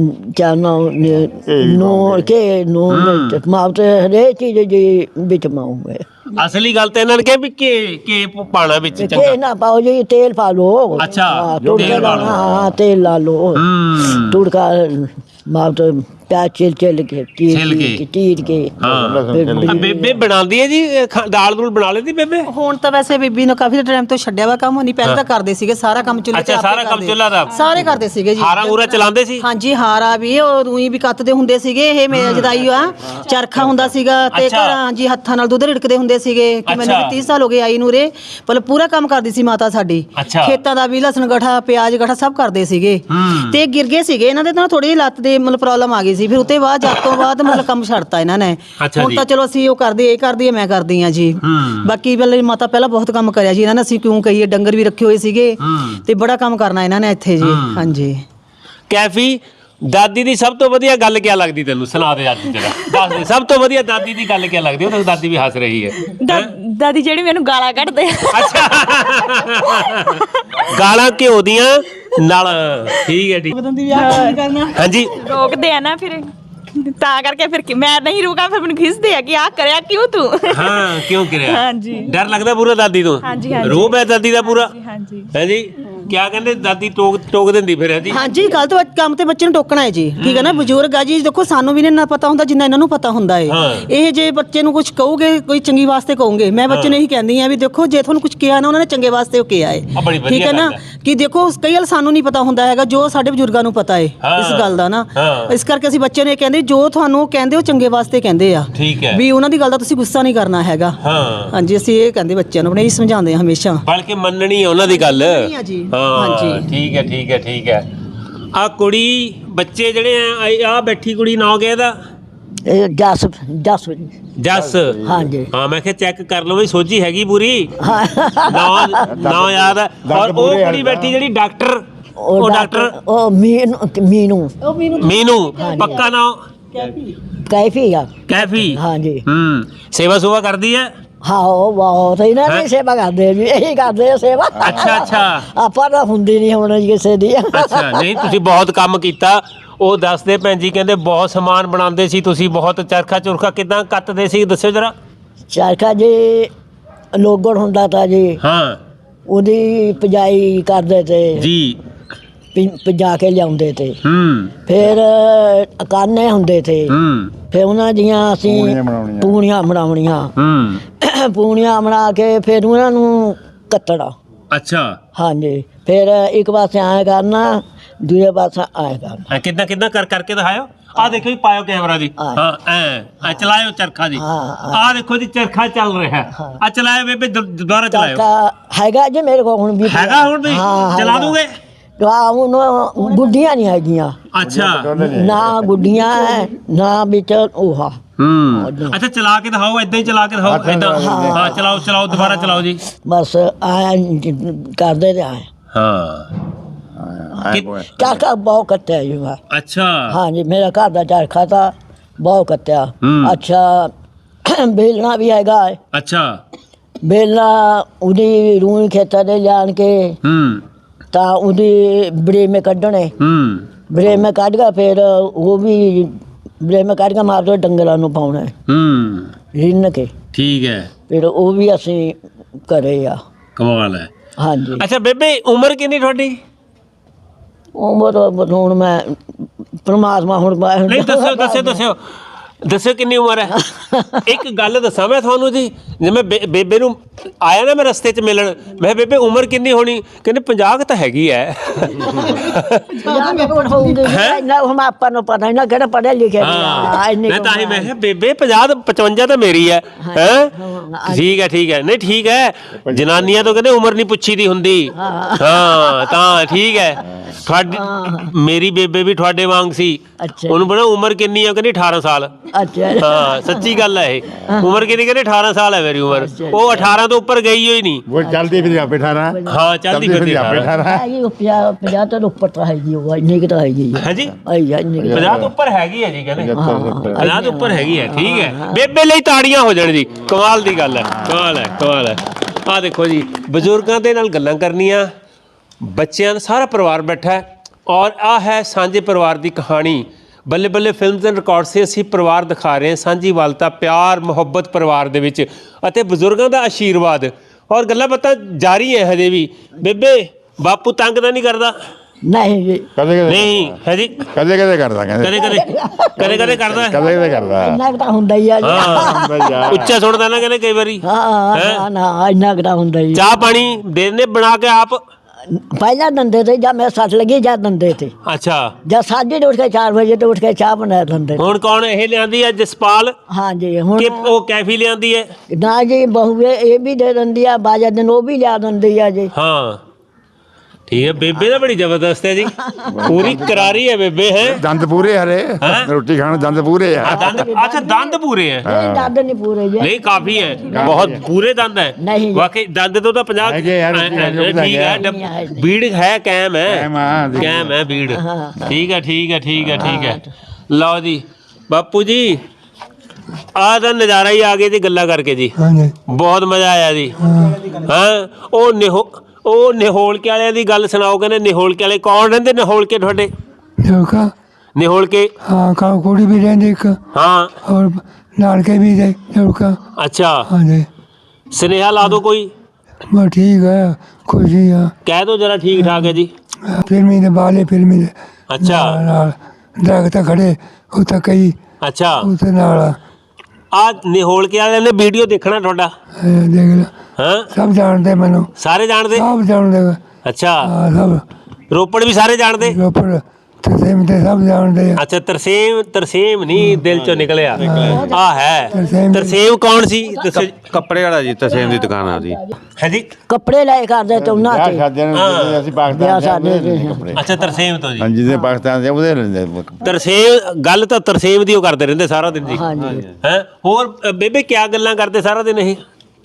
नून के नून मावते हरेक चीज जी बिच पाऊंगे। असली गल तो इन्होंने कहा भी के पाना बिच के चंगा। ना पाओ जी, तेल पा लो। अच्छा, तुड़का तेल पा लो। हाँ तेल ला लो। तुड़का मावते प्याज छिल के चीर के हाँ बेबे बनाती है जी दाल दूल बना लेती बेबे? ਹੁਣ ਤਾਂ ਵੈਸੇ ਬੀਬੀ ਨੂੰ ਕਾਫੀ ਟਾਈਮ ਤੋਂ ਛੱਡਿਆ ਵਾ ਕੰਮ, ਨਹੀਂ ਪਹਿਲਾਂ ਤਾਂ ਕਰਦੇ ਸੀਗੇ ਸਾਰਾ ਕੰਮ ਚੁੱਲ੍ਹੇ ਤੇ ਅੱਛਾ ਆਪੇ ਸਾਰਾ ਕੰਮ ਕਰਦੇ। ਚੁੱਲ੍ਹਾ ਦਾ ਸਾਰੇ ਕਰਦੇ ਸੀਗੇ ਜੀ। ਹਾਰਾ ਪੂਰਾ ਚਲਾਉਂਦੇ ਸੀ? ਹਾਂਜੀ ਹਾਰਾ ਵੀ ਉਹ ਰੂਈ ਵੀ ਕੱਤਦੇ ਹੁੰਦੇ ਸੀਗੇ। ਇਹ ਮੇਰੇ ਜਦਾਈ ਆ ਚਰਖਾ ਹੁੰਦਾ ਸੀਗਾ ਤੇ ਅੱਛਾ। ਘਰਾਂ ਜੀ ਹੱਥਾਂ ਨਾਲ ਦੁੱਧ ਰਿੜਕਦੇ ਹੁੰਦੇ ਸੀਗੇ ਕਿ ਮੈਨੂੰ ਵੀ 30 ਸਾਲ ਹੋ ਗਏ ਆਈ ਨੂੰ ਰੇ, ਪਰ ਪੂਰਾ ਕੰਮ ਕਰਦੀ ਸੀ ਮਾਤਾ ਸਾਡੀ। ਅੱਛਾ। ਖੇਤਾਂ ਦਾ ਵੀ ਲਸਣ ਗਠਾ ਪਿਆਜ਼ ਗਠਾ ਸਭ ਕਰਦੇ ਸੀਗੇ ਤੇ ਗਿਰ ਗਏ ਸੀਗੇ ਇਹਨਾਂ ਦੇ ਤਾਂ ਥੋੜੀ ਜਿਹੀ ਲੱਤ ਦੇ ਮਤਲਬ ਪ੍ਰੋਬਲਮ ਆ ਗਈ ਸੀ। ਫਿਰ ਉਤੇ ਬਾਅਦ ਜਦ ਤੋਂ ਬਾਅਦ ਮਤਲਬ ਕੰਮ ਛੱਡਤਾ ਇਹਨਾਂ ਨੇ। ਅੱਛਾ ਹੁਣ ਜੀ। ਤਾਂ ਚਲੋ ਅਸੀਂ ਉਹ ਕਰਦੇ ਇਹ ਕਰਦੀ ਹੈ ਮੈਂ ਕਰਦੀ ਆ ਜੀ। ਬਾਕੀ ਪਹਿਲੇ ਮਾਤਾ ਪਹਿਲਾਂ ਬਹੁਤ ਕੰਮ ਕਰਿਆ ਜੀ ਇਹਨਾਂ ਨੇ, ਅਸੀਂ ਕਿਉਂ ਕਹੀਏ ਡੰਗਰ ਵੀ ਰੱਖੇ ਹੋਏ ਸੀਗੇ ਤੇ ਬੜਾ ਕੰਮ ਕਰਨਾ ਇਹਨਾਂ ਨੇ ਇੱਥੇ ਜੀ। ਹਾਂਜੀ ਕੈਫੀ ਦਾਦੀ ਦੀ ਸਭ ਤੋਂ ਵਧੀਆ ਗੱਲ ਕੀ ਲੱਗਦੀ ਤੈਨੂੰ? ਸੁਣਾ ਦੇ ਅੱਜ ਜਰਾ, ਦੱਸ ਦੇ ਸਭ ਤੋਂ ਵਧੀਆ ਦਾਦੀ ਦੀ ਗੱਲ ਕੀ ਲੱਗਦੀ? ਉਹ ਤਾਂ ਦਾਦੀ ਵੀ ਹੱਸ ਰਹੀ ਹੈ। ਦਾਦੀ ਜਿਹੜੀ ਮੈਨੂੰ ਗਾਲਾਂ ਕੱਢਦੇ ਆ। ਅੱਛਾ ਗਾਲਾਂ ਘਿਓ ਦੀਆਂ ਨਾਲ। ਠੀਕ ਹੈ ਠੀਕ। ਹਾਂਜੀ ਰੋਕਦੇ ਆ ਨਾ ਫਿਰ, ਤਾਂ ਕਰਕੇ ਫਿਰ ਮੈਂ ਨਹੀਂ ਰੁਕਾਂ, ਫਿਰ ਮੈਨੂੰ ਖਿੱਚਦੇ ਆ ਕਿ ਆਹ ਕਰਿਆ ਕਿਉਂ ਤੂੰ। ਹਾਂ ਕਿਉਂ ਕਰਿਆ? ਹਾਂਜੀ। ਡਰ ਲੱਗਦਾ ਪੂਰਾ ਦਾਦੀ ਤੋਂ? ਹਾਂਜੀ, ਹਾਂਜੀ। ਰੋਬ ਹੈ ਦਾਦੀ ਦਾ ਪੂਰਾ? ਹਾਂਜੀ। ਹੈ ਜੀ ਕਿਆ ਕਹਿੰਦੇ ਦਾਦੀ ਟੋਕ ਦਿੰਦੀ ਫਿਰ? ਹੈ ਜੀ ਹਾਂਜੀ ਗਲਤ ਕੰਮ ਤੇ ਬੱਚੇ ਨੂੰ ਟੋਕਣਾ ਹੈ ਜੀ। ਠੀਕ ਹੈ ਨਾ, ਬਜ਼ੁਰਗ ਆ ਜੀ, ਦੇਖੋ ਸਾਨੂੰ ਵੀ ਨਹੀਂ ਨਾ ਪਤਾ ਹੁੰਦਾ ਜਿੰਨਾ ਇਹਨਾਂ ਨੂੰ ਪਤਾ ਹੁੰਦਾ ਹੈ। ਇਹ ਜੇ ਬੱਚੇ ਨੂੰ ਕੁਝ ਕਹੋਗੇ ਕੋਈ ਚੰਗੀ ਵਾਸਤੇ ਕਹੋਗੇ, ਮੈਂ ਬੱਚੇ ਨੂੰ ਇਹੀ ਕਹਿੰਦੀ ਆ ਵੀ ਦੇਖੋ ਜੇ ਤੁਹਾਨੂੰ ਕੁਝ ਕਿਹਾ ਨਾ ਉਹਨਾਂ ਨੇ ਚੰਗੇ ਵਾਸਤੇ ਉਹ ਕਿਹਾ ਹੈ। ਠੀਕ ਹੈ ਨਾ, ਕਿ ਦੇਖੋ ਕਈ ਵਾਰ ਸਾਨੂੰ ਨਹੀਂ ਪਤਾ ਹੁੰਦਾ ਹੈਗਾ ਜੋ ਸਾਡੇ ਬਜ਼ੁਰਗਾਂ ਨੂੰ ਪਤਾ ਹੈ ਇਸ ਗੱਲ ਦਾ ਨਾ। ਇਸ ਕਰਕੇ ਅਸੀਂ ਬੱਚੇ ਨੂੰ ਇਹ ਕਹਿੰਦੇ ਜੋ ਤੁਹਾਨੂੰ ਕਹਿੰਦੇ ਉਹ ਚੰਗੇ ਵਾਸਤੇ ਕਹਿੰਦੇ ਆ। ਠੀਕ ਹੈ। ਵੀ ਉਹਨਾਂ ਦੀ ਗੱਲ ਦਾ ਤੁਸੀਂ ਗੁੱਸਾ ਨਹੀਂ ਕਰਨਾ ਹੈਗਾ। ਹਾਂਜੀ ਅਸੀਂ ਇਹ ਕਹਿੰਦੇ ਬੱਚਿਆਂ ਨੂੰ ਆਪਣੇ, ਇਹੀ ਸਮਝਾਉਂਦੇ ਆ ਹਮੇਸ਼ਾ। ਬਲਕਿ ਮੰਨਣੀ ਹੈ ਉਹਨਾਂ ਦੀ ਗੱਲ। ਜੀ ਹਾਂਜੀ ਠੀਕ ਹੈ ਠੀਕ ਹੈ ਠੀਕ ਹੈ। ਆ ਕੁੜੀ ਬੱਚੇ ਜਿਹੜੇ ਆ ਬੈਠੀ ਕੁੜੀ ਨਾਂ ਕਿਹਾ ਇਹਦਾ? ਜਸ ਜੱਸ। ਹਾਂਜੀ। ਹਾਂ ਮੈਂ ਕਿਹਾ ਚੈੱਕ ਕਰ ਲਓ ਵੀ ਸੋਝੀ ਹੈਗੀ ਪੂਰੀ। ਹਾਂ ਨਾਂ ਯਾਦ ਹੈ। ਔਰ ਉਹ ਕੁੜੀ ਬੈਠੀ ਜਿਹੜੀ ਡਾਕਟਰ, ਉਹ ਡਾਕਟਰ ਉਹ ਮੀਨੂ ਪੱਕਾ ਨਾਂ ਕੈਫੀ ਆ। ਕੈਫੀ। ਹਾਂਜੀ। ਸੇਵਾ ਸੁਵਾ ਕਰਦੀ ਹੈ? ਹਾਂ ਉਹ ਬਹੁਤ ਇਹਨਾਂ ਦੀ ਸੇਵਾ ਕਰਦੇ ਜੀ, ਇਹੀ ਕਰਦੇ ਆ ਸੇਵਾ। ਅੱਛਾ ਅੱਛਾ। ਆਪਾਂ ਤਾਂ ਹੁੰਦੀ ਨਹੀਂ ਹੁਣ ਕਿਸੇ ਦੀ। ਅੱਛਾ ਨਹੀਂ ਤੁਸੀਂ ਬਹੁਤ ਕੰਮ ਕੀਤਾ। ਉਹ ਦੱਸਦੇ ਭੈਣ ਜੀ ਕਹਿੰਦੇ ਬਹੁਤ ਸਮਾਨ ਬਣਾਉਂਦੇ ਸੀ ਤੁਸੀਂ, ਬਹੁਤ ਚਰਖਾ ਚੁਰਖਾ ਕਿਦਾਂ ਕੱਤਦੇ ਸੀ ਦੱਸਿਓ ਜਰਾ। ਚਰਖਾ ਜੀ ਲੋਗੜ ਹੁੰਦਾ ਤਾਂ ਜੀ। ਹਾਂ ਉਹਦੀ ਪਜਾਈ ਕਰਦੇ ਤੇ ਜੀ। ਪਜਾ ਕੇ ਲਿਆਉਂਦੇ ਤੇ। ਫਿਰ ਕਾਨੇ ਹੁੰਦੇ ਤੇ। ਫਿਰ ਉਹਨਾਂ ਦੀਆਂ ਅਸੀਂ ਪੂਣੀਆਂ ਬਣਾਉਣੀਆਂ। ਪੂਣੀਆਂ ਬਣਾ ਕੇ ਫਿਰ ਉਹਨਾਂ ਨੂੰ ਕੱਤਣਾ। ਅੱਛਾ। ਹਾਂਜੀ। ਫਿਰ ਇੱਕ ਪਾਸੇ ਆਏ ਕਰਨਾ, ਦੂਜੇ ਪਾਸੇ ਆਏ ਕਰਨਾ। ਕਿੱਦਾਂ ਕਿੱਦਾਂ ਕਰਕੇ ਦਿਖਾਇਓ। ਆ ਦੇਖੋ ਜੀ, ਪਾਇਓ ਕੈਮਰਾ ਜੀ। ਹਾਂ ਐ ਚਲਾਇਓ ਚਰਖਾ ਜੀ। ਆ ਦੇਖੋ ਜੀ ਚਰਖਾ ਚੱਲ ਰਿਹਾ। ਆ ਚਲਾਇਓ ਬੇਬੇ, ਦੁਬਾਰਾ ਚਲਾਇਓ। ਚਰਖਾ ਹੈਗਾ ਜੀ ਮੇਰੇ ਕੋਲ ਹੁਣ ਵੀ। ਹੈਗਾ ਹੁਣ ਵੀ? ਚਲਾ ਦੋਗੇ? ਗੁੱਡੀਆਂ ਨਹੀਂ ਹੈਗੀਆਂ। ਅੱਛਾ। ਨਾ ਗੁੱਡੀਆਂ ਹੈ ਨਾ ਵਿੱਚ ਉਹ। ਅੱਛਾ ਚਲਾ ਕੇ ਦਿਖਾਓ, ਏਦਾਂ ਹੀ ਚਲਾ ਕੇ ਦਿਖਾਓ। ਏਦਾਂ ਹਾਂ ਚਲਾਓ ਚਲਾਓ, ਦੁਬਾਰਾ ਚਲਾਓ ਜੀ। ਬਸ ਆਇਆ ਕਰਦੇ ਤੇ ਆਏ। ਹਾਂ ਚਰਖਾ ਬਹੁਤ ਕੱਤਿਆ ਜੀ ਮੈਂ। ਅੱਛਾ ਹਾਂਜੀ ਮੇਰਾ ਘਰ ਦਾ ਚਰਖਾ ਤਾਂ ਬਹੁਤ ਕੱਤਿਆ। ਅੱਛਾ ਬੇਲਣਾ ਵੀ ਹੈਗਾ ਹੈ। ਅੱਛਾ ਬੇਲਣਾ ਉਹਦੀ ਰੂਈ ਖੇਤਾਂ ਦੇ ਲਿਆਣ ਕੇ ਤਾਂ ਉਹਦੀ ਬਰੇਮੇ ਕੱਢਣੇ। ਬਰੇਮੇ ਕੱਢ ਕੇ ਫਿਰ ਉਹ ਵੀ ਬਰੇਮੇ ਕੱਢ ਕੇ ਮਾਰ ਦੋ ਡੰਗਰਾਂ ਨੂੰ ਪਾਉਣਾ ਰਿੰਨ ਕੇ। ਠੀਕ ਹੈ। ਫਿਰ ਉਹ ਵੀ ਅਸੀਂ ਕਰੇ ਆ। ਕਮਾਲ ਹੈ। ਹਾਂਜੀ ਅੱਛਾ ਬੇਬੇ ਉਮਰ ਕਿੰਨੀ ਤੁਹਾਡੀ? ਉਮਰ ਹੁਣ ਮੈਂ ਪਰਮਾਤਮਾ ਹੁਣ ਨਹੀਂ ਦੱਸਿਓ ਕਿੰਨੀ ਉਮਰ ਹੈ। ਇੱਕ ਗੱਲ ਦੱਸਾਂ ਮੈਂ ਤੁਹਾਨੂੰ ਜੀ, ਜਿਵੇਂ ਬੇਬੇ ਨੂੰ ਆਇਆ ਨਾ ਮੈਂ ਰਸਤੇ 'ਚ ਮਿਲਣ, ਮੈਂ ਕਿਹਾ ਬੇਬੇ ਉਮਰ ਕਿੰਨੀ ਹੋਣੀ? ਕਹਿੰਦੇ 50 ਤਾਂ ਹੈਗੀ ਹੈ। ਹੁਣ ਆਪਾਂ ਨੂੰ ਪਤਾ ਨਹੀਂ ਨਾ ਕਿਹੜਾ ਪੜ੍ਹਿਆ ਲਿਖਿਆ। ਮੈਂ ਤਾਂ ਹੀ ਮੈਂ ਕਿਹਾ ਬੇਬੇ 50 55 ਤਾਂ ਮੇਰੀ ਹੈ। ਠੀਕ ਹੈ ਨਹੀਂ ਠੀਕ ਹੈ। ਜਨਾਨੀਆਂ ਤੋਂ ਕਹਿੰਦੇ ਉਮਰ ਨਹੀਂ ਪੁੱਛੀ ਦੀ ਹੁੰਦੀ। ਹਾਂ ਤਾਂ ਠੀਕ ਹੈ। ਤੁਹਾਡੀ ਮੇਰੀ ਬੇਬੇ ਵੀ ਤੁਹਾਡੇ ਵਾਂਗ ਸੀ। ਉਹਨੂੰ ਬੜਾ ਉਮਰ ਕਿੰਨੀ ਆ? ਕਹਿੰਦੀ 18 ਸਾਲ। ਅੱਛਾ ਹਾਂ ਸੱਚੀ ਗੱਲ ਹੈ ਇਹ। ਉਮਰ ਕਿੰਨੀ? ਕਹਿੰਦੇ 18 ਸਾਲ ਹੈ ਮੇਰੀ ਉਮਰ। ਉਹ 18 ਤੋਂ ਉੱਪਰ ਗਈ ਹੋਈ ਨਹੀਂ। ਉਹ ਚਲਦੀ ਫਿਰ ਆਪੇ 18। ਹਾਂ ਚਲਦੀ ਫਿਰਦੀ 18 ਹੈਗੀ 50 ਤੋਂ ਉੱਪਰ ਤਾਂ ਹੈਗੀ ਉਹ ਇੰਨੀ ਕਿ ਤਾਂ ਹੈਗੀ ਹੈ ਜੀ। 50 ਤੋਂ ਉੱਪਰ ਹੈਗੀ ਹੈ ਜੀ ਕਹਿੰਦੇ। 50 ਤੋਂ ਉੱਪਰ ਹੈਗੀ ਹੈ। ਠੀਕ ਹੈ। ਬੇਬੇ ਲਈ ਤਾੜੀਆਂ ਹੋ ਜਾਣ ਜੀ। ਕਮਾਲ ਦੀ ਗੱਲ ਹੈ। ਕਮਾਲ ਹੈ। ਆਹ ਦੇਖੋ ਜੀ ਬਜ਼ੁਰਗਾਂ ਦੇ ਨਾਲ ਗੱਲਾਂ ਕਰਨੀਆਂ, ਬੱਚਿਆਂ ਦਾ ਸਾਰਾ ਪਰਿਵਾਰ ਬੈਠਾ ਹੈ ਔਰ ਆਹ ਹੈ ਸਾਂਝੇ ਪਰਿਵਾਰ ਦੀ ਕਹਾਣੀ। ਬੱਲੇ ਬੱਲੇ ਫਿਲਮਸ ਐਂਡ ਰਿਕਾਰਡ ਸੇ ਅਸੀਂ ਪਰਿਵਾਰ ਦਿਖਾ ਰਹੇ ਹਾਂ, ਸਾਂਝੀਵਾਲਤਾ, ਪਿਆਰ, ਮੁਹੱਬਤ ਪਰਿਵਾਰ ਦੇ ਵਿੱਚ ਅਤੇ ਬਜ਼ੁਰਗਾਂ ਦਾ ਆਸ਼ੀਰਵਾਦ ਔਰ ਗੱਲਾਂ ਬਾਤਾਂ ਜਾਰੀ ਹੈ ਹਜੇ ਵੀ। ਬੇਬੇ ਬਾਪੂ ਤੰਗ ਤਾਂ ਨਹੀਂ ਕਰਦਾ? ਨਹੀਂ ਜੀ ਕਦੇ ਨਹੀਂ ਹੈ ਜੀ। ਕਦੇ ਕਰਦਾ ਕਹਿੰਦੇ। ਕਦੇ ਕਰਦਾ। ਕਦੇ ਕਰਦਾ। ਇੰਨਾ ਕੁ ਤਾਂ ਹੁੰਦਾ ਹੀ ਆ ਜੀ। ਹਾਂ ਉੱਚਾ ਸੁਣਦਾ ਨਾ ਕਹਿੰਦੇ ਕਈ ਵਾਰੀ। ਹਾਂ ਨਾ ਇੰਨਾ ਕੁ ਤਾਂ ਹੁੰਦਾ ਹੀ। ਚਾਹ ਪਾਣੀ ਦੇ ਦਿੰਦੇ ਬਣਾ ਕੇ ਆਪ? ਪਹਿਲਾਂ ਦੰਦੇ ਤੇ ਜਾਂ ਮੈਂ ਸੱਟ ਲੱਗੀ ਜਾਂ ਦੰਦੇ ਤੇ। ਅੱਛਾ ਜਾਂ ਸਾਜੇ ਉੱਠ ਕੇ 4 ਵਜੇ ਤੋਂ ਉੱਠ ਕੇ ਚਾਹ ਬਣਾ ਦਿੰਦੇ। ਹੁਣ ਕੌਣ ਇਹ ਲਿਆਂਦੀ ਹੈ? ਜਸਪਾਲ ਹਾਂਜੀ ਹੁਣ ਕਿ ਉਹ ਕੈਫੀ ਲਿਆਂਦੀ ਹੈ? ਨਾ ਜੀ ਬਹੂ ਇਹ ਵੀ ਦੇ ਦਿੰਦੀ ਆ, ਬਾਜਾ ਦਿਨ ਉਹ ਵੀ ਲਿਆ ਦਿੰਦੀ ਆ ਜੀ। ਹਾਂ ਠੀਕ ਹੈ। ਬੇਬੇ ਤਾਂ ਬੜੀ ਜ਼ਬਰਦਸਤ ਹੈ ਜੀ। ਪੂਰੀ ਕਰਾਰੀ ਹੈ ਬੇਬੇ ਹੈ। ਦੰਦ ਪੂਰੇ ਹਰੇ ਰੋਟੀ ਖਾਣ ਦੰਦ ਪੂਰੇ ਆ। ਅੱਛਾ ਦੰਦ ਪੂਰੇ ਹੈ। ਨਹੀਂ ਦੰਦ ਨਹੀਂ ਪੂਰੇ ਜੀ। ਨਹੀਂ ਕਾਫੀ ਹੈ, ਬਹੁਤ ਪੂਰੇ ਦੰਦ ਹੈ। ਨਹੀਂ ਜੀ। ਵਾਕਈ ਦੰਦ ਤੋਂ ਤਾਂ 50 ਹੈਗੇ ਯਾਰ, ਠੀਕ ਹੈ। ਬੀੜ ਹੈ ਕਾਇਮ ਹੈ ਬੀੜ। ਠੀਕ ਹੈ। ਲਓ ਜੀ ਬਾਪੂ ਜੀ ਆਹ ਤਾਂ ਨਜ਼ਾਰਾ ਹੀ ਆ ਗਿਆ ਜੀ ਗੱਲਾਂ ਕਰਕੇ ਜੀ। ਹਾਂਜੀ ਬਹੁਤ ਮਜ਼ਾ ਆਇਆ ਜੀ। ਹਾਂ ਉਹ ਨਿਹੋਲਕੇ ਵਾਲਿਆਂ ਦੀ ਗੱਲ ਸੁਣਾਓ। ਕਹਿੰਦੇ ਨਿਹੋਲਕੇ ਵਾਲੇ ਕੌਣ ਰਹਿੰਦੇ? ਨਿਹੋਲਕੇ ਤੁਹਾਡੇ ਜੋਕਾ ਨਿਹੋਲਕੇ? ਹਾਂ ਕੁੜੀ ਵੀ ਰਹਿੰਦੀ ਇੱਕ। ਹਾਂ ਔਰ ਨਾਨਕੇ ਵੀ ਦੇ ਜੋਕਾ। ਅੱਛਾ ਹਾਂਜੀ ਸੁਨੇਹਾ ਲਾ ਦੋ ਕੋਈ। ਬਸ ਠੀਕ ਹੈ ਖੁਸ਼ੀ ਆ। ਕਹਿ ਦੋ ਜਰਾ ਠੀਕ ਠਾਕ ਹੈ ਜੀ। ਫਿਲਮੀ ਦੇ ਬਾਲੇ ਫਿਲਮੀ ਦੇ ਅੱਛਾ ਨਾਲ ਦਰਖਤ ਖੜੇ ਉੱਥੇ ਕਈ ਅੱਛਾ ਉੱਥੇ ਨਾਲ ਆ ਨਿਹੋਲਕੇ ਵਾਲਿਆਂ ਨੇ ਵੀਡੀਓ ਦੇਖਣਾ ਤੁਹਾਡਾ? ਦੇਖ ਲੈ ਹਾਂ ਸਭ ਜਾਣਦੇ ਮੈਨੂੰ। ਸਾਰੇ ਜਾਣਦੇ? ਸਭ ਜਾਣਦੇ। ਅੱਛਾ ਹਾਂ ਸਭ ਰੋਪੜ ਵੀ ਸਾਰੇ ਜਾਣਦੇ? ਰੋਪੜ ਤਸੀਮ ਤੇ ਸਭ ਜਾਣਦੇ ਆ। ਅੱਛਾ ਤਰਸੇਮ ਨਹੀਂ ਦਿਲ ਚੋਂ ਨਿਕਲਿਆ। ਆ ਹੈ ਤਰਸੇਮ ਕੌਣ ਸੀ? ਕੱਪੜੇ ਵਾਲਾ ਜੀ, ਤਸੇਮ ਦੀ ਦੁਕਾਨ ਆ ਜੀ। ਹੈ ਜੀ ਕੱਪੜੇ ਲੈ ਕਰਦੇ ਤੇ ਉਹਨਾਂ ਤੇ। ਅਸੀਂ ਪਾਕਿਸਤਾਨ ਦੇ ਅੱਛਾ ਤਰਸੇਮ ਤੋਂ ਜੀ। ਹਾਂਜੀ ਜਿਹਦੇ ਪਾਕਿਸਤਾਨ ਦੇ ਉਹਦੇ ਲੈਂਦੇ। ਤਰਸੇਮ ਗੱਲ ਤਾਂ ਤਰਸੇਮ ਦੀ ਉਹ ਕਰਦੇ ਰਹਿੰਦੇ ਸਾਰਾ ਦਿਨ ਜੀ। ਹਾਂਜੀ ਹੈ ਹੋਰ ਬੇਬੇ ਕਿਆ ਗੱਲਾਂ ਕਰਦੇ ਸਾਰਾ ਦਿਨ ਇਹ?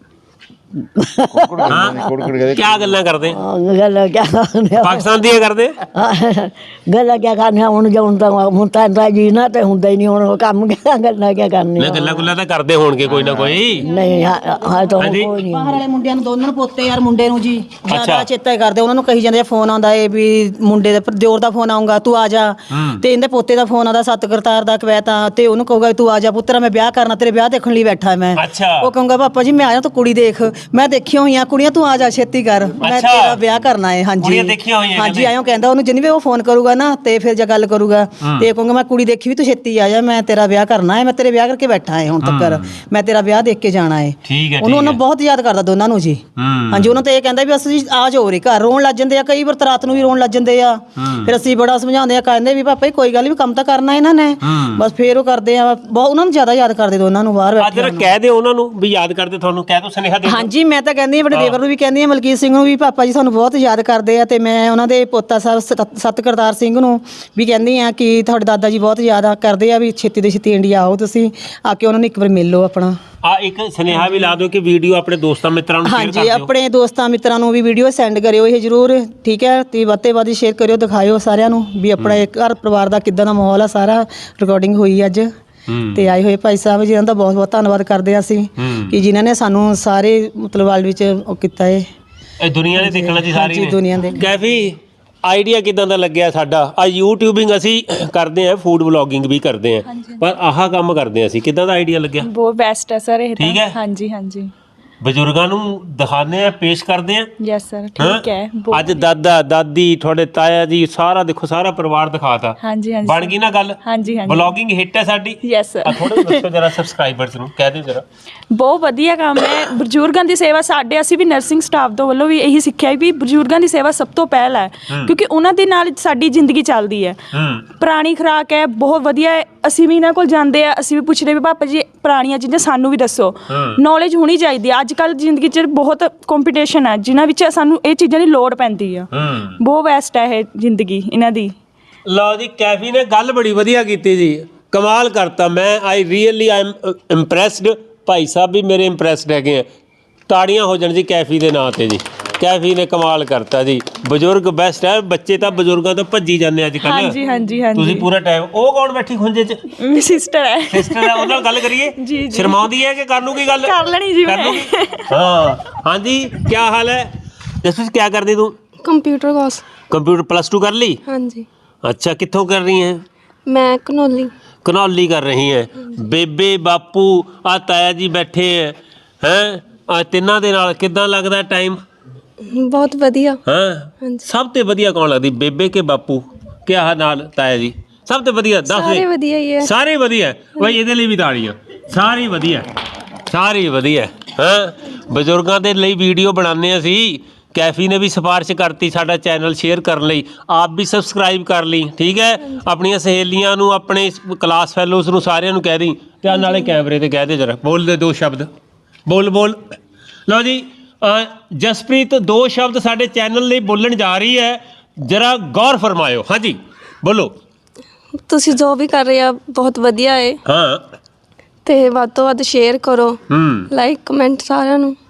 ਕਿਆ ਗੱਲਾਂ ਕਰਦੇ? ਗੱਲ ਕਿਆ ਕਰਨੇ ਪਾਕਿਸਤਾਨ ਦੀਆਂ ਕਰਦੇ? ਗੱਲਾਂ ਕਿਆ ਕਰਨੀਆਂ ਹੁਣ ਤਾਂ ਜੀ ਨਾ ਤੇ ਹੁੰਦਾ ਹੀ ਨਹੀਂ ਹੁਣ ਕੰਮ ਗੱਲਾਂ ਕਿਆ ਕਰਨੀਆਂ। ਗੱਲਾਂ ਗੁੱਲਾਂ ਤਾਂ ਕਰਦੇ ਹੋਣਗੇ ਕੋਈ ਨਾ ਕੋਈ। ਨਹੀਂ ਹਾਂ ਤਾਂ ਕੋਈ ਨਹੀਂ। ਬਾਹਰ ਵਾਲੇ ਮੁੰਡਿਆਂ ਨੂੰ ਦੋਨਾਂ ਨੂੰ ਪੋਤੇ ਯਾਰ ਮੁੰਡੇ ਨੂੰ ਜੀ ਅੱਛਾ। ਜ਼ਿਆਦਾ ਚੇਤਾ ਹੀ ਕਰਦੇ। ਉਹਨਾਂ ਨੂੰ ਕਹੀ ਜਾਂਦੇ ਫੋਨ ਆਉਂਦਾ ਏ ਵੀ ਮੁੰਡੇ ਦੇ ਦਿਓਰ ਦਾ ਫੋਨ ਆਊਗਾ ਤੂੰ ਆ ਜਾ, ਤੇ ਇਹਦੇ ਪੋਤੇ ਦਾ ਫੋਨ ਆਉਂਦਾ ਸਤ ਕਰਤਾਰ ਦਾ ਕਵੈਤਾ, ਤੇ ਉਹਨੂੰ ਕਹੂਗਾ ਤੂੰ ਆ ਜਾ ਪੁੱਤਰਾ ਮੈਂ ਵਿਆਹ ਕਰਨਾ, ਤੇਰੇ ਵਿਆਹ ਦੇਖਣ ਲਈ ਬੈਠਾ ਮੈਂ। ਅੱਛਾ। ਉਹ ਕਹੂੰਗਾ ਪਾਪਾ ਜੀ ਮੈਂ ਆਇਆ ਤੂੰ ਕੁੜੀ ਦੇਖ, ਮੈਂ ਦੇਖੀਆਂ ਹੋਈਆਂ ਕੁੜੀਆਂ, ਤੂੰ ਆ ਜਾ ਛੇਤੀ ਕਰ ਮੈਂ ਅੱਛਾ। ਤੇਰਾ ਵਿਆਹ ਕਰਨਾ ਹੈ। ਹਾਂਜੀ ਕੁੜੀਆਂ ਦੇਖੀਆਂ ਹੋਈਆਂ ਹਾਂਜੀ ਕਹਿੰਦੇ। ਆਇਓ ਕਹਿੰਦਾ ਉਹਨੂੰ ਜਿੰਨੀ ਵੀ ਉਹ ਫੋਨ ਕਰੂਗਾ ਨਾ ਤੇ ਫਿਰ ਜੇ ਗੱਲ ਕਰੂਗਾ ਤੇ ਕਹੂੰਗਾ ਮੈਂ ਕੁੜੀ ਦੇਖੀ ਵੀ ਤੂੰ ਛੇਤੀ ਆ ਜਾ, ਮੈਂ ਤੇਰਾ ਵਿਆਹ ਕਰਨਾ ਹੈ, ਮੈਂ ਤੇਰੇ ਵਿਆਹ ਕਰਕੇ ਬੈਠਾ ਹੈ ਹੁਣ ਤੱਕ, ਮੈਂ ਤੇਰਾ ਵਿਆਹ ਦੇਖ ਕੇ ਜਾਣਾ ਹੈ। ਠੀਕ ਹੈ। ਉਹਨੂੰ ਬਹੁਤ ਯਾਦ ਕਰਦਾ ਦੋਨਾਂ ਨੂੰ ਜੀ। ਹਾਂਜੀ ਉਹਨਾਂ ਤੇ ਇਹ ਕਹਿੰਦਾ ਵੀ ਅਸੀਂ ਆ ਜਾਓ ਰੇ ਘਰ, ਰੋਣ ਲੱਗ ਜਾਂਦੇ ਆ ਕਈ ਵਾਰ ਰਾਤ ਨੂੰ ਵੀ ਰੋਣ ਲੱਗ ਜਾਂਦੇ ਆ। ਫਿਰ ਅਸੀਂ ਬੜਾ ਸਮਝਾਉਂਦੇ ਆ, ਕਹਿੰਦੇ ਵੀ ਪਾਪਾ ਕੋਈ ਗੱਲ ਵੀ ਕੰਮ ਤਾਂ ਕਰਨਾ ਇਹਨਾਂ ਨੇ, ਬਸ ਫੇਰ ਉਹ ਕਰਦੇ ਆ ਬਹੁਤ। ਉਹਨਾਂ ਨੂੰ ਜ਼ਿਆਦਾ ਯਾਦ ਕਰਦੇ ਦੋਨਾਂ ਨੂੰ ਬਾਹਰ ਅੱਜ ਕਹਿ ਦਿਓ ਉਹਨਾਂ ਨੂੰ ਵੀ ਯਾਦ ਕਰਦੇ ਤੁਹਾਨੂੰ, ਕਹਿ ਦੋ ਸੁਨੇਹਾ ਦੇ ਦਿਓ। ਹਾਂਜੀ ਮੈਂ ਤਾਂ ਕਹਿੰਦੀ ਹਾਂ ਆਪਣੇ ਦੇਵਰ ਨੂੰ ਵੀ ਕਹਿੰਦੀ ਹਾਂ, ਮਲਕੀਤ ਸਿੰਘ ਨੂੰ ਵੀ, ਪਾਪਾ ਜੀ ਸਾਨੂੰ ਬਹੁਤ ਯਾਦ ਕਰਦੇ ਆ। ਤੇ ਮੈਂ ਉਹਨਾਂ ਦੇ ਪੋਤਾ ਸਾਹਿਬ ਸਤ ਕਰਤਾਰ ਸਿੰਘ ਨੂੰ ਵੀ ਕਹਿੰਦੀ ਆ ਕਿ ਤੁਹਾਡੇ ਦਾਦਾ ਜੀ ਬਹੁਤ ਯਾਦ ਕਰਦੇ ਆ, ਵੀ ਛੇਤੀ ਤੋਂ ਛੇਤੀ ਇੰਡੀਆ ਆਓ, ਤੁਸੀਂ ਆ ਕੇ ਉਹਨਾਂ ਨੂੰ ਇੱਕ ਵਾਰ ਮਿਲ ਲਓ ਆਪਣਾ। ਆ ਇੱਕ ਸੁਨੇਹਾ ਵੀ ਲਾ ਦਿਓ ਕਿ ਵੀਡੀਓ ਆਪਣੇ ਦੋਸਤਾਂ ਮਿੱਤਰਾਂ ਨੂੰ ਸ਼ੇਅਰ ਕਰ ਹਾਂਜੀ ਦਿਓ। ਆਪਣੇ ਦੋਸਤਾਂ ਮਿੱਤਰਾਂ ਨੂੰ ਵੀ ਵੀਡੀਓ ਸੈਂਡ ਕਰਿਓ ਇਹ ਜ਼ਰੂਰ, ਠੀਕ ਹੈ। ਤੇ ਵੱਧ ਤੋਂ ਵੱਧ ਸ਼ੇਅਰ ਕਰਿਓ, ਦਿਖਾਇਓ ਸਾਰਿਆਂ ਨੂੰ ਵੀ ਆਪਣਾ ਇਹ ਘਰ ਪਰਿਵਾਰ ਦਾ ਕਿੱਦਾਂ ਦਾ ਮਾਹੌਲ ਆ। ਸਾਰਾ ਰਿਕਾਰਡਿੰਗ ਹੋਈ ਅੱਜ ਤੇ ਆਏ ਹੋਏ ਭਾਈ ਸਾਹਿਬ ਜੀ ਦਾ ਬਹੁਤ ਬਹੁਤ ਧੰਨਵਾਦ ਕਰਦੇ ਆ ਅਸੀਂ ਕਿ ਜਿਨ੍ਹਾਂ ਨੇ ਸਾਨੂੰ ਸਾਰੇ ਮਤਲਬ ਵਰਲਡ ਵਿੱਚ ਉਹ ਕੀਤਾ ਹੈ। ਇਹ ਦੁਨੀਆ ਨੇ ਦੇਖਣਾ ਜੀ ਸਾਰੀ ਹਾਂਜੀ, ਦੁਨੀਆ ਦੇ। ਕੈਫੀ ਆਈਡੀਆ ਕਿਦਾਂ ਦਾ ਲੱਗਿਆ ਸਾਡਾ? ਆ ਯੂਟਿਊਬਿੰਗ ਅਸੀਂ ਕਰਦੇ ਆ, ਫੂਡ ਵਲੌਗਿੰਗ ਵੀ ਕਰਦੇ ਆ, ਪਰ ਆਹ ਕੰਮ ਕਰਦੇ ਆ ਅਸੀਂ, ਕਿਦਾਂ ਦਾ ਆਈਡੀਆ ਲੱਗਿਆ? ਬਹੁਤ ਬੈਸਟ ਹੈ ਸਰ ਇਹ ਠੀਕ ਹੈ। ਹਾਂਜੀ ਹਾਂਜੀ ਬਜ਼ੁਰਗਾਂ ਨੂੰ ਦਿਖਾਉਂਦੇ ਆ, ਪੇਸ਼ ਕਰਦੇ ਆ। ਯੈਸ ਸਰ ਠੀਕ ਹੈ। ਅੱਜ ਦਾਦਾ ਦਾਦੀ ਤੁਹਾਡੇ ਤਾਇਆ ਜੀ ਸਾਰਾ ਦੇਖੋ, ਸਾਰਾ ਪਰਿਵਾਰ ਦਿਖਾਤਾ। ਹਾਂਜੀ ਹਾਂਜੀ ਬਣ ਗਈ ਨਾ ਗੱਲ? ਹਾਂਜੀ ਹਾਂਜੀ ਵਲੌਗਿੰਗ ਹਿੱਟ ਹੈ ਸਾਡੀ। Yes sir. ਆ ਥੋੜਾ ਦੱਸੋ ਜਰਾ ਸਬਸਕ੍ਰਾਈਬਰਸ ਨੂੰ, ਕਹਿ ਦਿਓ ਜਰਾ। ਬਹੁਤ ਵਧੀਆ ਕੰਮ ਹੈ ਬਜ਼ੁਰਗਾਂ ਦੀ ਸੇਵਾ। ਸਾਡੇ ਅਸੀਂ ਵੀ ਨਰਸਿੰਗ ਸਟਾਫ ਤੋਂ ਵੱਲੋਂ ਵੀ ਇਹੀ ਸਿੱਖਿਆ ਵੀ ਬਜ਼ੁਰਗਾਂ ਦੀ ਸੇਵਾ ਸਭ ਤੋਂ ਪਹਿਲ ਹੈ, ਕਿਉਂਕਿ ਉਹਨਾਂ ਦੇ ਨਾਲ ਸਾਡੀ ਜ਼ਿੰਦਗੀ ਚੱਲਦੀ ਹੈ। ਪੁਰਾਣੀ ਖੁਰਾਕ ਹੈ, ਬਹੁਤ ਵਧੀਆ ਹੈ। ਅਸੀਂ ਵੀ ਇਹਨਾਂ ਕੋਲ ਜਾਂਦੇ ਆ, ਅਸੀਂ ਵੀ ਪੁੱਛਦੇ ਵੀ ਪਾਪਾ ਜੀ ਪੁਰਾਣੀਆਂ ਚੀਜ਼ਾਂ ਸਾਨੂੰ ਵੀ ਦੱਸੋ, ਨੌਲੇਜ ਹੋਣੀ ਚਾਹੀਦੀ ਹੈ। ਅੱਜ ਕੱਲ੍ਹ ਜ਼ਿੰਦਗੀ 'ਚ ਬਹੁਤ ਕੰਪੀਟੀਸ਼ਨ ਹੈ, ਜਿਨ੍ਹਾਂ ਵਿੱਚ ਸਾਨੂੰ ਇਹ ਚੀਜ਼ਾਂ ਦੀ ਲੋੜ ਪੈਂਦੀ ਆ। ਬਹੁਤ ਬੈਸਟ ਹੈ ਇਹ ਜ਼ਿੰਦਗੀ ਇਹਨਾਂ ਦੀ। ਲਓ ਜੀ, ਕੈਫੀ ਨੇ ਗੱਲ ਬੜੀ ਵਧੀਆ ਕੀਤੀ ਜੀ, ਕਮਾਲ ਕਰਤਾ। ਮੈਂ ਆਈ ਐਮ ਇੰਪ੍ਰੈਸਡ। ਭਾਈ ਸਾਹਿਬ ਵੀ ਮੇਰੇ ਇੰਪ੍ਰੈਸਡ ਹੈਗੇ ਆ। ਤਾੜੀਆਂ ਹੋ ਜਾਣ ਜੀ ਕੈਫੀ ਦੇ ਨਾਂ ਤੇ ਜੀ। ਕੈਫੀ ਨੇ ਕਮਾਲ ਕਰਤਾ ਜੀ। ਬਜ਼ੁਰਗ ਬੈਸਟ ਹੈ, ਬੱਚੇ ਤਾਂ ਬਜ਼ੁਰਗਾਂ ਤੋਂ ਭੱਜੀ ਜਾਂਦੇ ਅੱਜ ਕੱਲ੍ਹ। ਹਾਂਜੀ ਹਾਂਜੀ ਹਾਂਜੀ। ਤੁਸੀਂ ਪੂਰਾ ਟਾਈਮ। ਉਹ ਕੌਣ ਬੈਠੀ ਖੁੰਝੇ 'ਚ? ਮੇਰੀ ਸਿਸਟਰ ਹੈ। ਸਿਸਟਰ ਹੈ, ਉਹਨਾਂ ਨਾਲ ਗੱਲ ਕਰੀਏ। ਜੀ, ਜੀ। ਸ਼ਰਮਾਉਂਦੀ ਹੈ ਕਿ ਕਰ ਲੂਗੀ ਗੱਲ? ਕਰ ਲੈਣੀ ਜੀ ਕਰ ਮੈਂ। ਲੂਗੀ? ਹਾਂ ਹਾਂਜੀ, ਕੀ ਹਾਲ ਹੈ ਜਸਪ੍ਰੀਤ? ਕੀ ਕਰਦੀ ਤੂੰ? Computer course. ਕੰਪਿਊਟਰ ਪਲੱਸ 2 ਕਰ ਲਈ? हाँ जी। अच्छा, कित्थों कर रही हैं? मैं कनौली। कनौली कर रही हैं। बेबे बापू आ ताया जी बैठे हैं आ तिन्ना दे नाल किदां लगदा टाइम? बहुत वधिया। हाँ हाँ जी। सब ते वधिया कौन लगदी, बेबे के बापू क्या नाल ताया जी? सब ते वधिया दस सारे वधिया ही है। सारे वधिया भाई, ਇਹਦੇ ਲਈ ਵੀ ਤਾੜੀਆਂ। ਸਾਰੀ ਵਧੀਆ, ਸਾਰੀ ਵਧੀਆ। ਹਾਂ ਬਜ਼ੁਰਗਾਂ ਦੇ ਲਈ ਵੀਡੀਓ ਬਣਾਉਂਦੇ ਅਸੀਂ। ਕੈਫੀ ਨੇ ਵੀ ਸਿਫਾਰਿਸ਼ ਕਰਤੀ ਸਾਡਾ ਚੈਨਲ ਸ਼ੇਅਰ ਕਰਨ ਲਈ, ਆਪ ਵੀ ਸਬਸਕ੍ਰਾਈਬ ਕਰ ਲਈ, ਠੀਕ ਹੈ। ਆਪਣੀਆਂ ਸਹੇਲੀਆਂ ਨੂੰ, ਆਪਣੇ ਕਲਾਸ ਫੈਲੋਜ਼ ਨੂੰ, ਸਾਰਿਆਂ ਨੂੰ ਕਹਿ ਦੀ। ਤੇ ਨਾਲੇ ਕੈਮਰੇ ਤੇ ਕਹਿ ਦੇ ਜਰਾ, ਬੋਲ ਦੇ 2 ਸ਼ਬਦ, ਬੋਲ ਬੋਲ। ਲਓ ਜੀ, ਜਸਪ੍ਰੀਤ 2 ਸ਼ਬਦ ਸਾਡੇ ਚੈਨਲ ਲਈ ਬੋਲਣ ਜਾ ਰਹੀ ਹੈ, ਜਰਾ ਗੌਰ ਫਰਮਾਇਓ। ਹਾਂਜੀ ਬੋਲੋ। ਤੁਸੀਂ ਜੋ ਵੀ ਕਰ ਰਹੇ ਆ ਬਹੁਤ ਵਧੀਆ ਹੈ। ਹਾਂ ਤੇ ਵੱਧ ਤੋਂ ਵੱਧ ਸ਼ੇਅਰ ਕਰੋ, ਲਾਈਕ ਕਮੈਂਟ ਸਾਰਿਆਂ ਨੂੰ।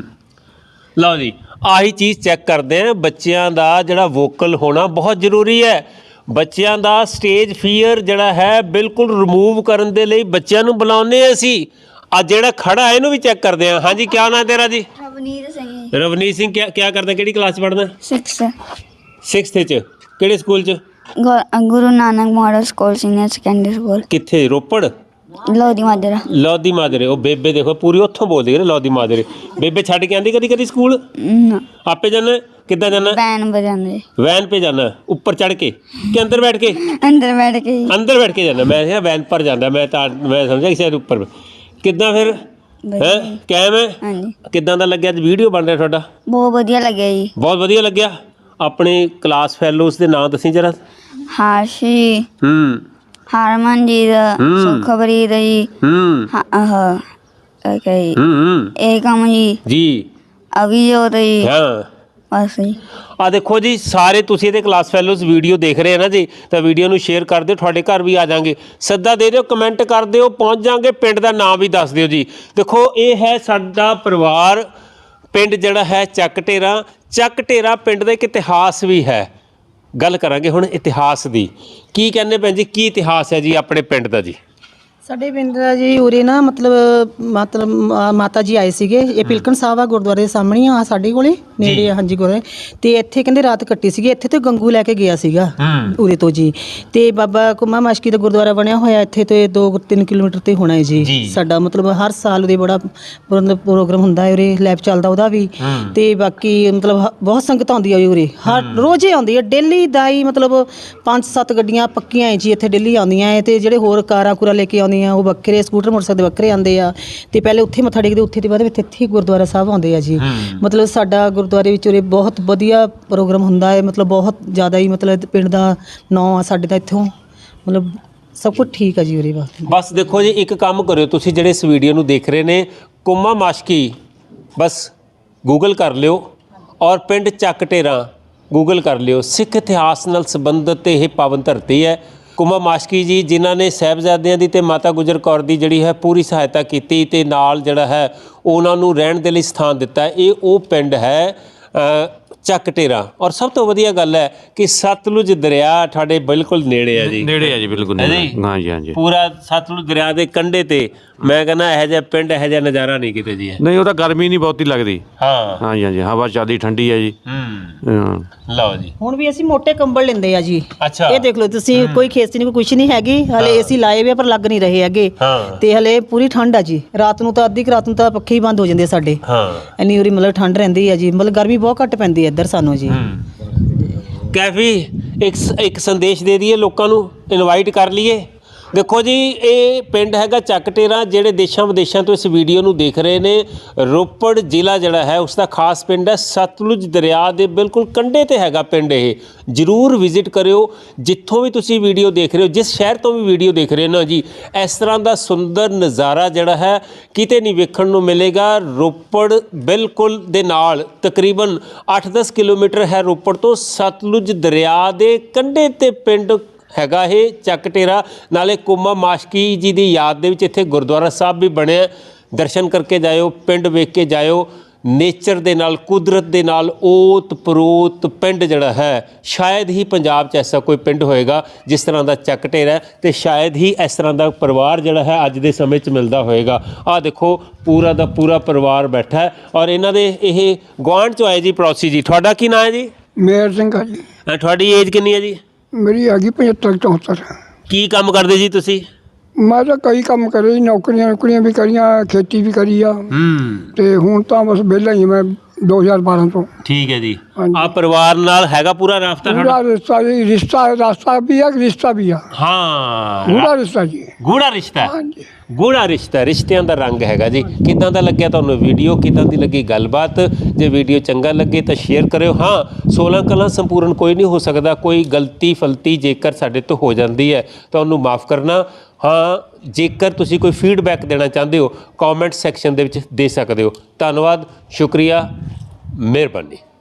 ਲਓ ਜੀ, ਆਹੀ ਚੀਜ਼ ਚੈੱਕ ਕਰਦੇ ਆ। ਬੱਚਿਆਂ ਦਾ ਜਿਹੜਾ ਵੋਕਲ ਹੋਣਾ ਬਹੁਤ ਜ਼ਰੂਰੀ ਹੈ। ਬੱਚਿਆਂ ਦਾ ਸਟੇਜ ਫੀਅਰ ਜਿਹੜਾ ਹੈ ਬਿਲਕੁਲ ਰਿਮੂਵ ਕਰਨ ਦੇ ਲਈ ਬੱਚਿਆਂ ਨੂੰ ਬੁਲਾਉਂਦੇ ਆ ਅਸੀਂ। ਆ ਜਿਹੜਾ ਖੜਾ ਇਹਨੂੰ ਵੀ ਚੈੱਕ ਕਰਦੇ ਆ। ਹਾਂਜੀ, ਕੀ ਨਾਂ ਤੇਰਾ ਜੀ? ਰਵਨੀਤ ਸਿੰਘ। ਰਵਨੀਤ ਸਿੰਘ। ਕੀ ਕਰਦਾ, ਕਿਹੜੀ ਕਲਾਸ 'ਚ ਪੜ੍ਹਦਾ? 6th 6th 'ਚ। ਕਿਹੜੇ ਸਕੂਲ 'ਚ? Guru Nanak model school senior secondary school. ਕਿੱਥੇ? ਰੋਪੜ? ਲੋਧੀ ਮਾਜਰਾ। ਲੋਧੀ ਮਾਜਰੇ। ਉਹ ਬੇਬੇ ਦੇਖੋ ਪੂਰੀ ਉੱਥੋਂ ਬੋਲਦੀ ਹੈ, ਲੋਧੀ ਮਾਜਰੇ। ਬੇਬੇ ਛੱਡ ਕੇ ਆਂਦੀ ਕਦੀ ਕਦੀ ਸਕੂਲ? ਆਪੇ ਜਾਣਾ? ਕਿੱਦਾਂ ਜਾਣਾ? ਵੈਨ ਬਜਾਉਂਦੇ। वैन पे जाना? ऊपर चढ़ के कि अंदर बैठ के? ਅੰਦਰ ਬੈਠ ਕੇ। अंदर बैठ के जाना। मैं क्या वैन पर जाना, मैं समझा कि शायद ऊपर। कितना फिर है कैम है? ਹਾਂਜੀ। किदां दा लग्या? वीडियो बन रहा ਤੁਹਾਡਾ? ਬਹੁਤ ਵਧੀਆ ਲੱਗਿਆ ਜੀ। बहुत ਵਧੀਆ ਲੱਗਿਆ। ਆਪਣੇ ਕਲਾਸ ਫੈਲੋਜ਼ ਦੇ ਨਾਂ ਦੱਸੀ ਜਰਾ। ਹਾਸ਼ੀ, ਹਰਮਨਜੀਤ, ਸੁਖਬਰੀਤ ਜੀ, ਓਕੇ ਜੀ, ਏਕਮ ਜੀ, ਜੀ ਅਭਿਜੋਤ ਜੀ, ਹਾਂ। ਬਸ ਜੀ। ਆ ਦੇਖੋ ਜੀ, ਸਾਰੇ ਤੁਸੀਂ ਇਹਦੇ ਕਲਾਸ ਫੈਲੋਜ਼ ਵੀਡੀਓ ਦੇਖ ਰਹੇ ਆ ਨਾ ਜੀ, ਤਾਂ ਵੀਡੀਓ ਨੂੰ ਸ਼ੇਅਰ ਕਰ ਦਿਓ। ਤੁਹਾਡੇ ਘਰ ਵੀ ਆ ਜਾਾਂਗੇ, ਸੱਦਾ ਦੇ ਦਿਓ, ਕਮੈਂਟ ਕਰ ਦਿਓ, ਪਹੁੰਚ ਜਾਾਂਗੇ। ਪਿੰਡ ਦਾ ਨਾਮ ਵੀ ਦੱਸ ਦਿਓ ਜੀ। ਦੇਖੋ ਇਹ ਹੈ ਸਾਡਾ ਪਰਿਵਾਰ। ਪਿੰਡ ਜਿਹੜਾ ਹੈ ਚੱਕ ਢੇਰਾ। ਚੱਕ ਢੇਰਾ ਪਿੰਡ ਦਾ ਇੱਕ ਇਤਿਹਾਸ ਵੀ ਹੈ। ਗੱਲ ਕਰਾਂਗੇ ਹੁਣ ਇਤਿਹਾਸ ਦੀ। ਕੀ ਕਹਿੰਦੇ ਭੈਣ ਜੀ, ਕੀ ਇਤਿਹਾਸ ਹੈ ਜੀ ਆਪਣੇ ਪਿੰਡ ਦਾ ਜੀ? ਸਾਡੇ ਪਿੰਡ ਦਾ ਜੀ ਉਰੇ ਨਾ ਮਤਲਬ ਮਾਤਾ ਜੀ ਆਏ ਸੀਗੇ। ਇਹ ਪਿਲਕਣ ਸਾਹਿਬ ਆ ਗੁਰਦੁਆਰੇ ਦੇ ਸਾਹਮਣੇ ਆ ਸਾਡੇ ਕੋਲੇ ਨੇੜੇ ਆ। ਹਾਂਜੀ ਗੁਰਦੁਆਰੇ। ਤੇ ਇੱਥੇ ਕਹਿੰਦੇ ਰਾਤ ਕੱਟੀ ਸੀਗੀ। ਇੱਥੇ ਤੇ ਗੰਗੂ ਲੈ ਕੇ ਗਿਆ ਸੀਗਾ ਉਰੇ ਤੋਂ ਜੀ। ਤੇ ਬਾਬਾ ਕੁਮਾ ਮਾਸ਼ਕੀ ਦਾ ਗੁਰਦੁਆਰਾ ਬਣਿਆ ਹੋਇਆ ਇੱਥੇ ਤੇ 2-3 ਕਿਲੋਮੀਟਰ ਤੇ ਹੋਣਾ ਹੈ ਜੀ ਸਾਡਾ। ਮਤਲਬ ਹਰ ਸਾਲ ਉਹਦੇ ਬੜਾ ਪ੍ਰੋਗਰਾਮ ਹੁੰਦਾ ਹੈ ਉਰੇ, ਲੈਬ ਚੱਲਦਾ ਉਹਦਾ ਵੀ। ਤੇ ਬਾਕੀ ਮਤਲਬ ਬਹੁਤ ਸੰਗਤ ਆਉਂਦੀ ਆ ਉਰੇ, ਹਰ ਰੋਜ਼ੇ ਆਉਂਦੀ ਹੈ। ਡੇਲੀ ਦਾ ਹੀ ਮਤਲਬ 5-7 ਗੱਡੀਆਂ ਪੱਕੀਆਂ ਹੈ ਜੀ ਇੱਥੇ ਡੇਲੀ ਆਉਂਦੀਆਂ ਹੈ। ਤੇ ਜਿਹੜੇ ਹੋਰ ਕਾਰਾਂ ਕੂਰਾ ਲੈ ਕੇ ਆਉਂਦੀਆਂ ਉਹ ਵੱਖਰੇ, ਸਕੂਟਰ ਮੋਟਰਸਾਈਕਲ ਵੱਖਰੇ ਆਉਂਦੇ ਆ। ਤੇ ਪਹਿਲੇ ਉੱਥੇ ਮੱਥਾ ਟੇਕਦੇ, ਉੱਥੇ ਦੇ ਬਾਅਦ ਵਿੱਚ ਇੱਥੇ ਗੁਰਦੁਆਰਾ ਸਾਹਿਬ ਆਉਂਦੇ ਆ ਜੀ। ਮਤਲਬ ਸਾਡਾ ਗੁਰਦੁਆਰੇ ਵਿੱਚ ਉਰੇ ਬਹੁਤ ਵਧੀਆ ਪ੍ਰੋਗਰਾਮ ਹੁੰਦਾ ਹੈ। ਮਤਲਬ ਬਹੁਤ ਜ਼ਿਆਦਾ ਹੀ ਮਤਲਬ ਪਿੰਡ ਦਾ ਨਾਂ ਆ ਸਾਡੇ ਦਾ ਇੱਥੋਂ। ਮਤਲਬ ਸਭ ਕੁਝ ਠੀਕ ਆ ਜੀ ਉਰੇ। ਬਸ ਦੇਖੋ ਜੀ, ਇੱਕ ਕੰਮ ਕਰਿਓ ਤੁਸੀਂ ਜਿਹੜੇ ਇਸ ਵੀਡੀਓ ਨੂੰ ਦੇਖ ਰਹੇ ਨੇ, ਕੁਮਾ ਮਾਸ਼ਕੀ ਬਸ ਗੂਗਲ ਕਰ ਲਿਓ ਔਰ ਪਿੰਡ ਚੱਕ ਢੇਰਾਂ ਗੂਗਲ ਕਰ ਲਿਓ। ਸਿੱਖ ਇਤਿਹਾਸ ਨਾਲ ਸੰਬੰਧਿਤ ਇਹ ਪਾਵਨ ਧਰਤੀ ਹੈ। ਕੁਮਾ ਮਾਸ਼ਕੀ ਜੀ ਜਿਨ੍ਹਾਂ ਨੇ ਸਾਹਿਬਜ਼ਾਦਿਆਂ ਦੀ ਤੇ ਮਾਤਾ ਗੁਜਰ ਕੌਰ ਦੀ ਜਿਹੜੀ ਹੈ ਪੂਰੀ ਸਹਾਇਤਾ ਕੀਤੀ ਤੇ ਨਾਲ ਜਿਹੜਾ ਹੈ ਉਹਨਾਂ ਨੂੰ ਰਹਿਣ ਦੇ ਲਈ ਸਥਾਨ ਦਿੱਤਾ। ਇਹ ਉਹ ਪਿੰਡ ਹੈ ਚੱਕ ਢੇਰਾਂ। ਔਰ ਸਭ ਤੋਂ ਵਧੀਆ ਗੱਲ ਹੈ ਕਿ ਸਤਲੁਜ ਦਰਿਆ ਤੁਹਾਡੇ ਬਿਲਕੁਲ ਨੇੜੇ ਹੈ ਜੀ। ਨੇੜੇ ਹੈ ਜੀ, ਬਿਲਕੁਲ ਨੇੜੇ। ਹਾਂਜੀ ਹਾਂਜੀ, ਪੂਰਾ ਸਤਲੁਜ ਦਰਿਆ ਦੇ ਕੰਢੇ ਤੇ। ਮੈਂ ਕਹਿੰਦਾ ਇਹੋ ਜਿਹਾ ਪਿੰਡ ਇਹੋ ਜਿਹਾ ਨਜ਼ਾਰਾ ਨਹੀਂ ਕਿਤੇ ਜੀ। ਨਹੀਂ ਉਹ ਤਾਂ ਗਰਮੀ ਨਹੀਂ ਬਹੁਤੀ ਲੱਗਦੀ। ਹਾਂ ਹਾਂਜੀ ਹਾਂਜੀ, ਹਵਾ ਚੱਲਦੀ ਠੰਡੀ ਹੈ ਜੀ। ਲਓ ਜੀ, ਹੁਣ ਵੀ ਅਸੀਂ ਮੋٹے ਕੰਬਲ ਲੈਂਦੇ ਆ ਜੀ। ਅੱਛਾ। ਇਹ ਦੇਖ ਲਓ ਤੁਸੀਂ, ਕੋਈ ਖੇਸੀ ਨਹੀਂ, ਕੋਈ ਕੁਛ ਨਹੀਂ ਹੈਗੀ। ਹਲੇ ਏਸੀ ਲਾਏ ਹੋਏ ਆ ਪਰ ਲੱਗ ਨਹੀਂ ਰਹੇ ਹੈਗੇ। ਤੇ ਹਲੇ ਪੂਰੀ ਠੰਡ ਆ ਜੀ। ਰਾਤ ਨੂੰ ਤਾਂ ਅੱਧੀ ਕੁ ਰਾਤ ਨੂੰ ਤਾਂ ਪੱਖੇ ਹੀ ਬੰਦ ਹੋ ਜਾਂਦੇ ਆ ਸਾਡੇ। ਇੰਨੀ ਉਰੀ ਮਤਲਬ ਠੰਡ ਰਹਿੰਦੀ ਆ ਜੀ। ਮਤਲਬ ਗਰਮੀ ਬਹੁਤ ਘੱਟ ਪੈਂਦੀ ਹੈ ਇੱਧਰ ਸਾਨੂੰ ਜੀ। ਕੈਫੀ ਇੱਕ ਸੰਦੇਸ਼ ਦੇ ਦਈਏ ਲੋਕਾਂ ਨੂੰ, ਇਨਵਾਈਟ ਕਰ ਲਈਏ। ਦੇਖੋ ਜੀ, ਇਹ ਪਿੰਡ ਹੈਗਾ ਚੱਕ ਢੇਰਾਂ। ਜਿਹੜੇ ਦੇਸ਼ਾਂ ਵਿਦੇਸ਼ਾਂ ਤੋਂ ਇਸ ਵੀਡੀਓ ਨੂੰ ਦੇਖ ਰਹੇ ਨੇ, ਰੋਪੜ ਜ਼ਿਲ੍ਹਾ ਜਿਹੜਾ ਹੈ ਉਸ ਦਾ ਖਾਸ ਪਿੰਡ ਹੈ। ਸਤਲੁਜ ਦਰਿਆ ਦੇ ਬਿਲਕੁਲ ਕੰਢੇ ਤੇ ਹੈਗਾ ਪਿੰਡ ਇਹ। ਜ਼ਰੂਰ ਵਿਜ਼ਿਟ ਕਰਿਓ। ਜਿੱਥੋਂ ਵੀ ਤੁਸੀਂ ਵੀਡੀਓ ਦੇਖ ਰਹੇ ਹੋ, ਜਿਸ ਸ਼ਹਿਰ ਤੋਂ ਵੀ ਵੀਡੀਓ ਦੇਖ ਰਹੇ ਹੋ ਨਾ ਜੀ, ਇਸ ਤਰ੍ਹਾਂ ਦਾ ਸੁੰਦਰ ਨਜ਼ਾਰਾ ਜਿਹੜਾ ਹੈ ਕਿਤੇ ਨਹੀਂ ਵੇਖਣ ਨੂੰ ਮਿਲੇਗਾ। ਰੋਪੜ ਬਿਲਕੁਲ ਦੇ ਨਾਲ ਤਕਰੀਬਨ 8-10 ਕਿਲੋਮੀਟਰ ਹੈ ਰੋਪੜ ਤੋਂ। ਸਤਲੁਜ ਦਰਿਆ ਦੇ ਕੰਢੇ ਤੇ ਪਿੰਡ ਹੈਗਾ ਇਹ ਚੱਕ ਢੇਰਾਂ। ਨਾਲੇ ਕੁਮਾ ਮਾਸ਼ਕੀ ਜੀ ਦੀ ਯਾਦ ਦੇ ਵਿੱਚ ਇੱਥੇ ਗੁਰਦੁਆਰਾ ਸਾਹਿਬ ਵੀ ਬਣਿਆ। ਦਰਸ਼ਨ ਕਰਕੇ ਜਾਇਓ, ਪਿੰਡ ਵੇਖ ਕੇ ਜਾਇਓ। ਨੇਚਰ ਦੇ ਨਾਲ, ਕੁਦਰਤ ਦੇ ਨਾਲ ਓਤ ਪਰੋਤ ਪਿੰਡ ਜਿਹੜਾ ਹੈ, ਸ਼ਾਇਦ ਹੀ ਪੰਜਾਬ 'ਚ ਐਸਾ ਕੋਈ ਪਿੰਡ ਹੋਏਗਾ ਜਿਸ ਤਰ੍ਹਾਂ ਦਾ ਚੱਕ ਢੇਰਾਂ। ਤੇ ਸ਼ਾਇਦ ਹੀ ਇਸ ਤਰ੍ਹਾਂ ਦਾ ਪਰਿਵਾਰ ਜਿਹੜਾ ਹੈ ਅੱਜ ਦੇ ਸਮੇਂ 'ਚ ਮਿਲਦਾ ਹੋਏਗਾ। ਆਹ ਦੇਖੋ, ਪੂਰਾ ਦਾ ਪੂਰਾ ਪਰਿਵਾਰ ਬੈਠਾ ਹੈ। ਔਰ ਇਹਨਾਂ ਦੇ ਇਹ ਗੁਆਂਢ 'ਚੋਂ ਆਏ ਜੀ ਪੜੋਸੀ ਜੀ। ਤੁਹਾਡਾ ਕੀ ਨਾਂ ਹੈ ਜੀ? ਮੇਰ ਸਿੰਘ ਆ ਜੀ। ਤੁਹਾਡੀ ਏਜ ਕਿੰਨੀ ਹੈ ਜੀ? ਮੇਰੀ ਹੈਗੀ 75-74। ਕੀ ਕੰਮ ਕਰਦੇ ਜੀ ਤੁਸੀਂ? ਮੈਂ ਤਾਂ ਕਈ ਕੰਮ ਕਰੇ ਜੀ, ਨੌਕਰੀਆਂ ਵੀ ਕਰੀਆਂ, ਖੇਤੀ ਵੀ ਕਰੀ ਆ। ਤੇ ਹੁਣ ਤਾਂ ਬਸ ਵਿਹਲਾ ਹੀ ਮੈਂ 2012 ਤੋਂ। ਠੀਕ ਹੈ ਜੀ। ਆ ਪਰਿਵਾਰ ਨਾਲ ਹੈਗਾ ਪੂਰਾ ਰਾਬਤਾ? ਪੂਰਾ ਰਿਸ਼ਤਾ ਜੀ। ਰਾਸਤਾ ਵੀ ਆ, ਰਿਸ਼ਤਾ ਵੀ ਆ। ਹਾਂ, ਗੂੜਾ ਰਿਸ਼ਤਾ ਜੀ। ਗੂੜਾ ਰਿਸ਼ਤਾ। ਹਾਂਜੀ, ਗੂੜਾ ਰਿਸ਼ਤਾ, ਰਿਸ਼ਤਿਆਂ ਦਾ ਰੰਗ ਹੈਗਾ ਜੀ। ਕਿੱਦਾਂ ਦਾ ਲੱਗਿਆ ਤੁਹਾਨੂੰ ਵੀਡੀਓ? ਕਿੱਦਾਂ ਦੀ ਲੱਗੀ ਗੱਲਬਾਤ? ਜੇ ਵੀਡੀਓ ਚੰਗਾ ਲੱਗੇ ਤਾਂ ਸ਼ੇਅਰ ਕਰਿਓ। ਹਾਂ, 16 ਕਲਾਂ ਸੰਪੂਰਨ ਕੋਈ ਨਹੀਂ ਹੋ ਸਕਦਾ। ਕੋਈ ਗਲਤੀ ਫਲਤੀ ਜੇਕਰ ਸਾਡੇ ਤੋਂ ਹੋ ਜਾਂਦੀ ਹੈ ਤਾਂ ਉਹਨੂੰ ਮਾਫ ਕਰਨਾ। ਹਾਂ, ਜੇਕਰ ਤੁਸੀਂ ਕੋਈ ਫੀਡਬੈਕ ਦੇਣਾ ਚਾਹੁੰਦੇ ਹੋ, ਕਮੈਂਟ ਸੈਕਸ਼ਨ ਦੇ ਵਿੱਚ ਦੇ ਸਕਦੇ ਹੋ। ਧੰਨਵਾਦ, ਸ਼ੁਕਰੀਆ, ਮਿਹਰਬਾਨੀ।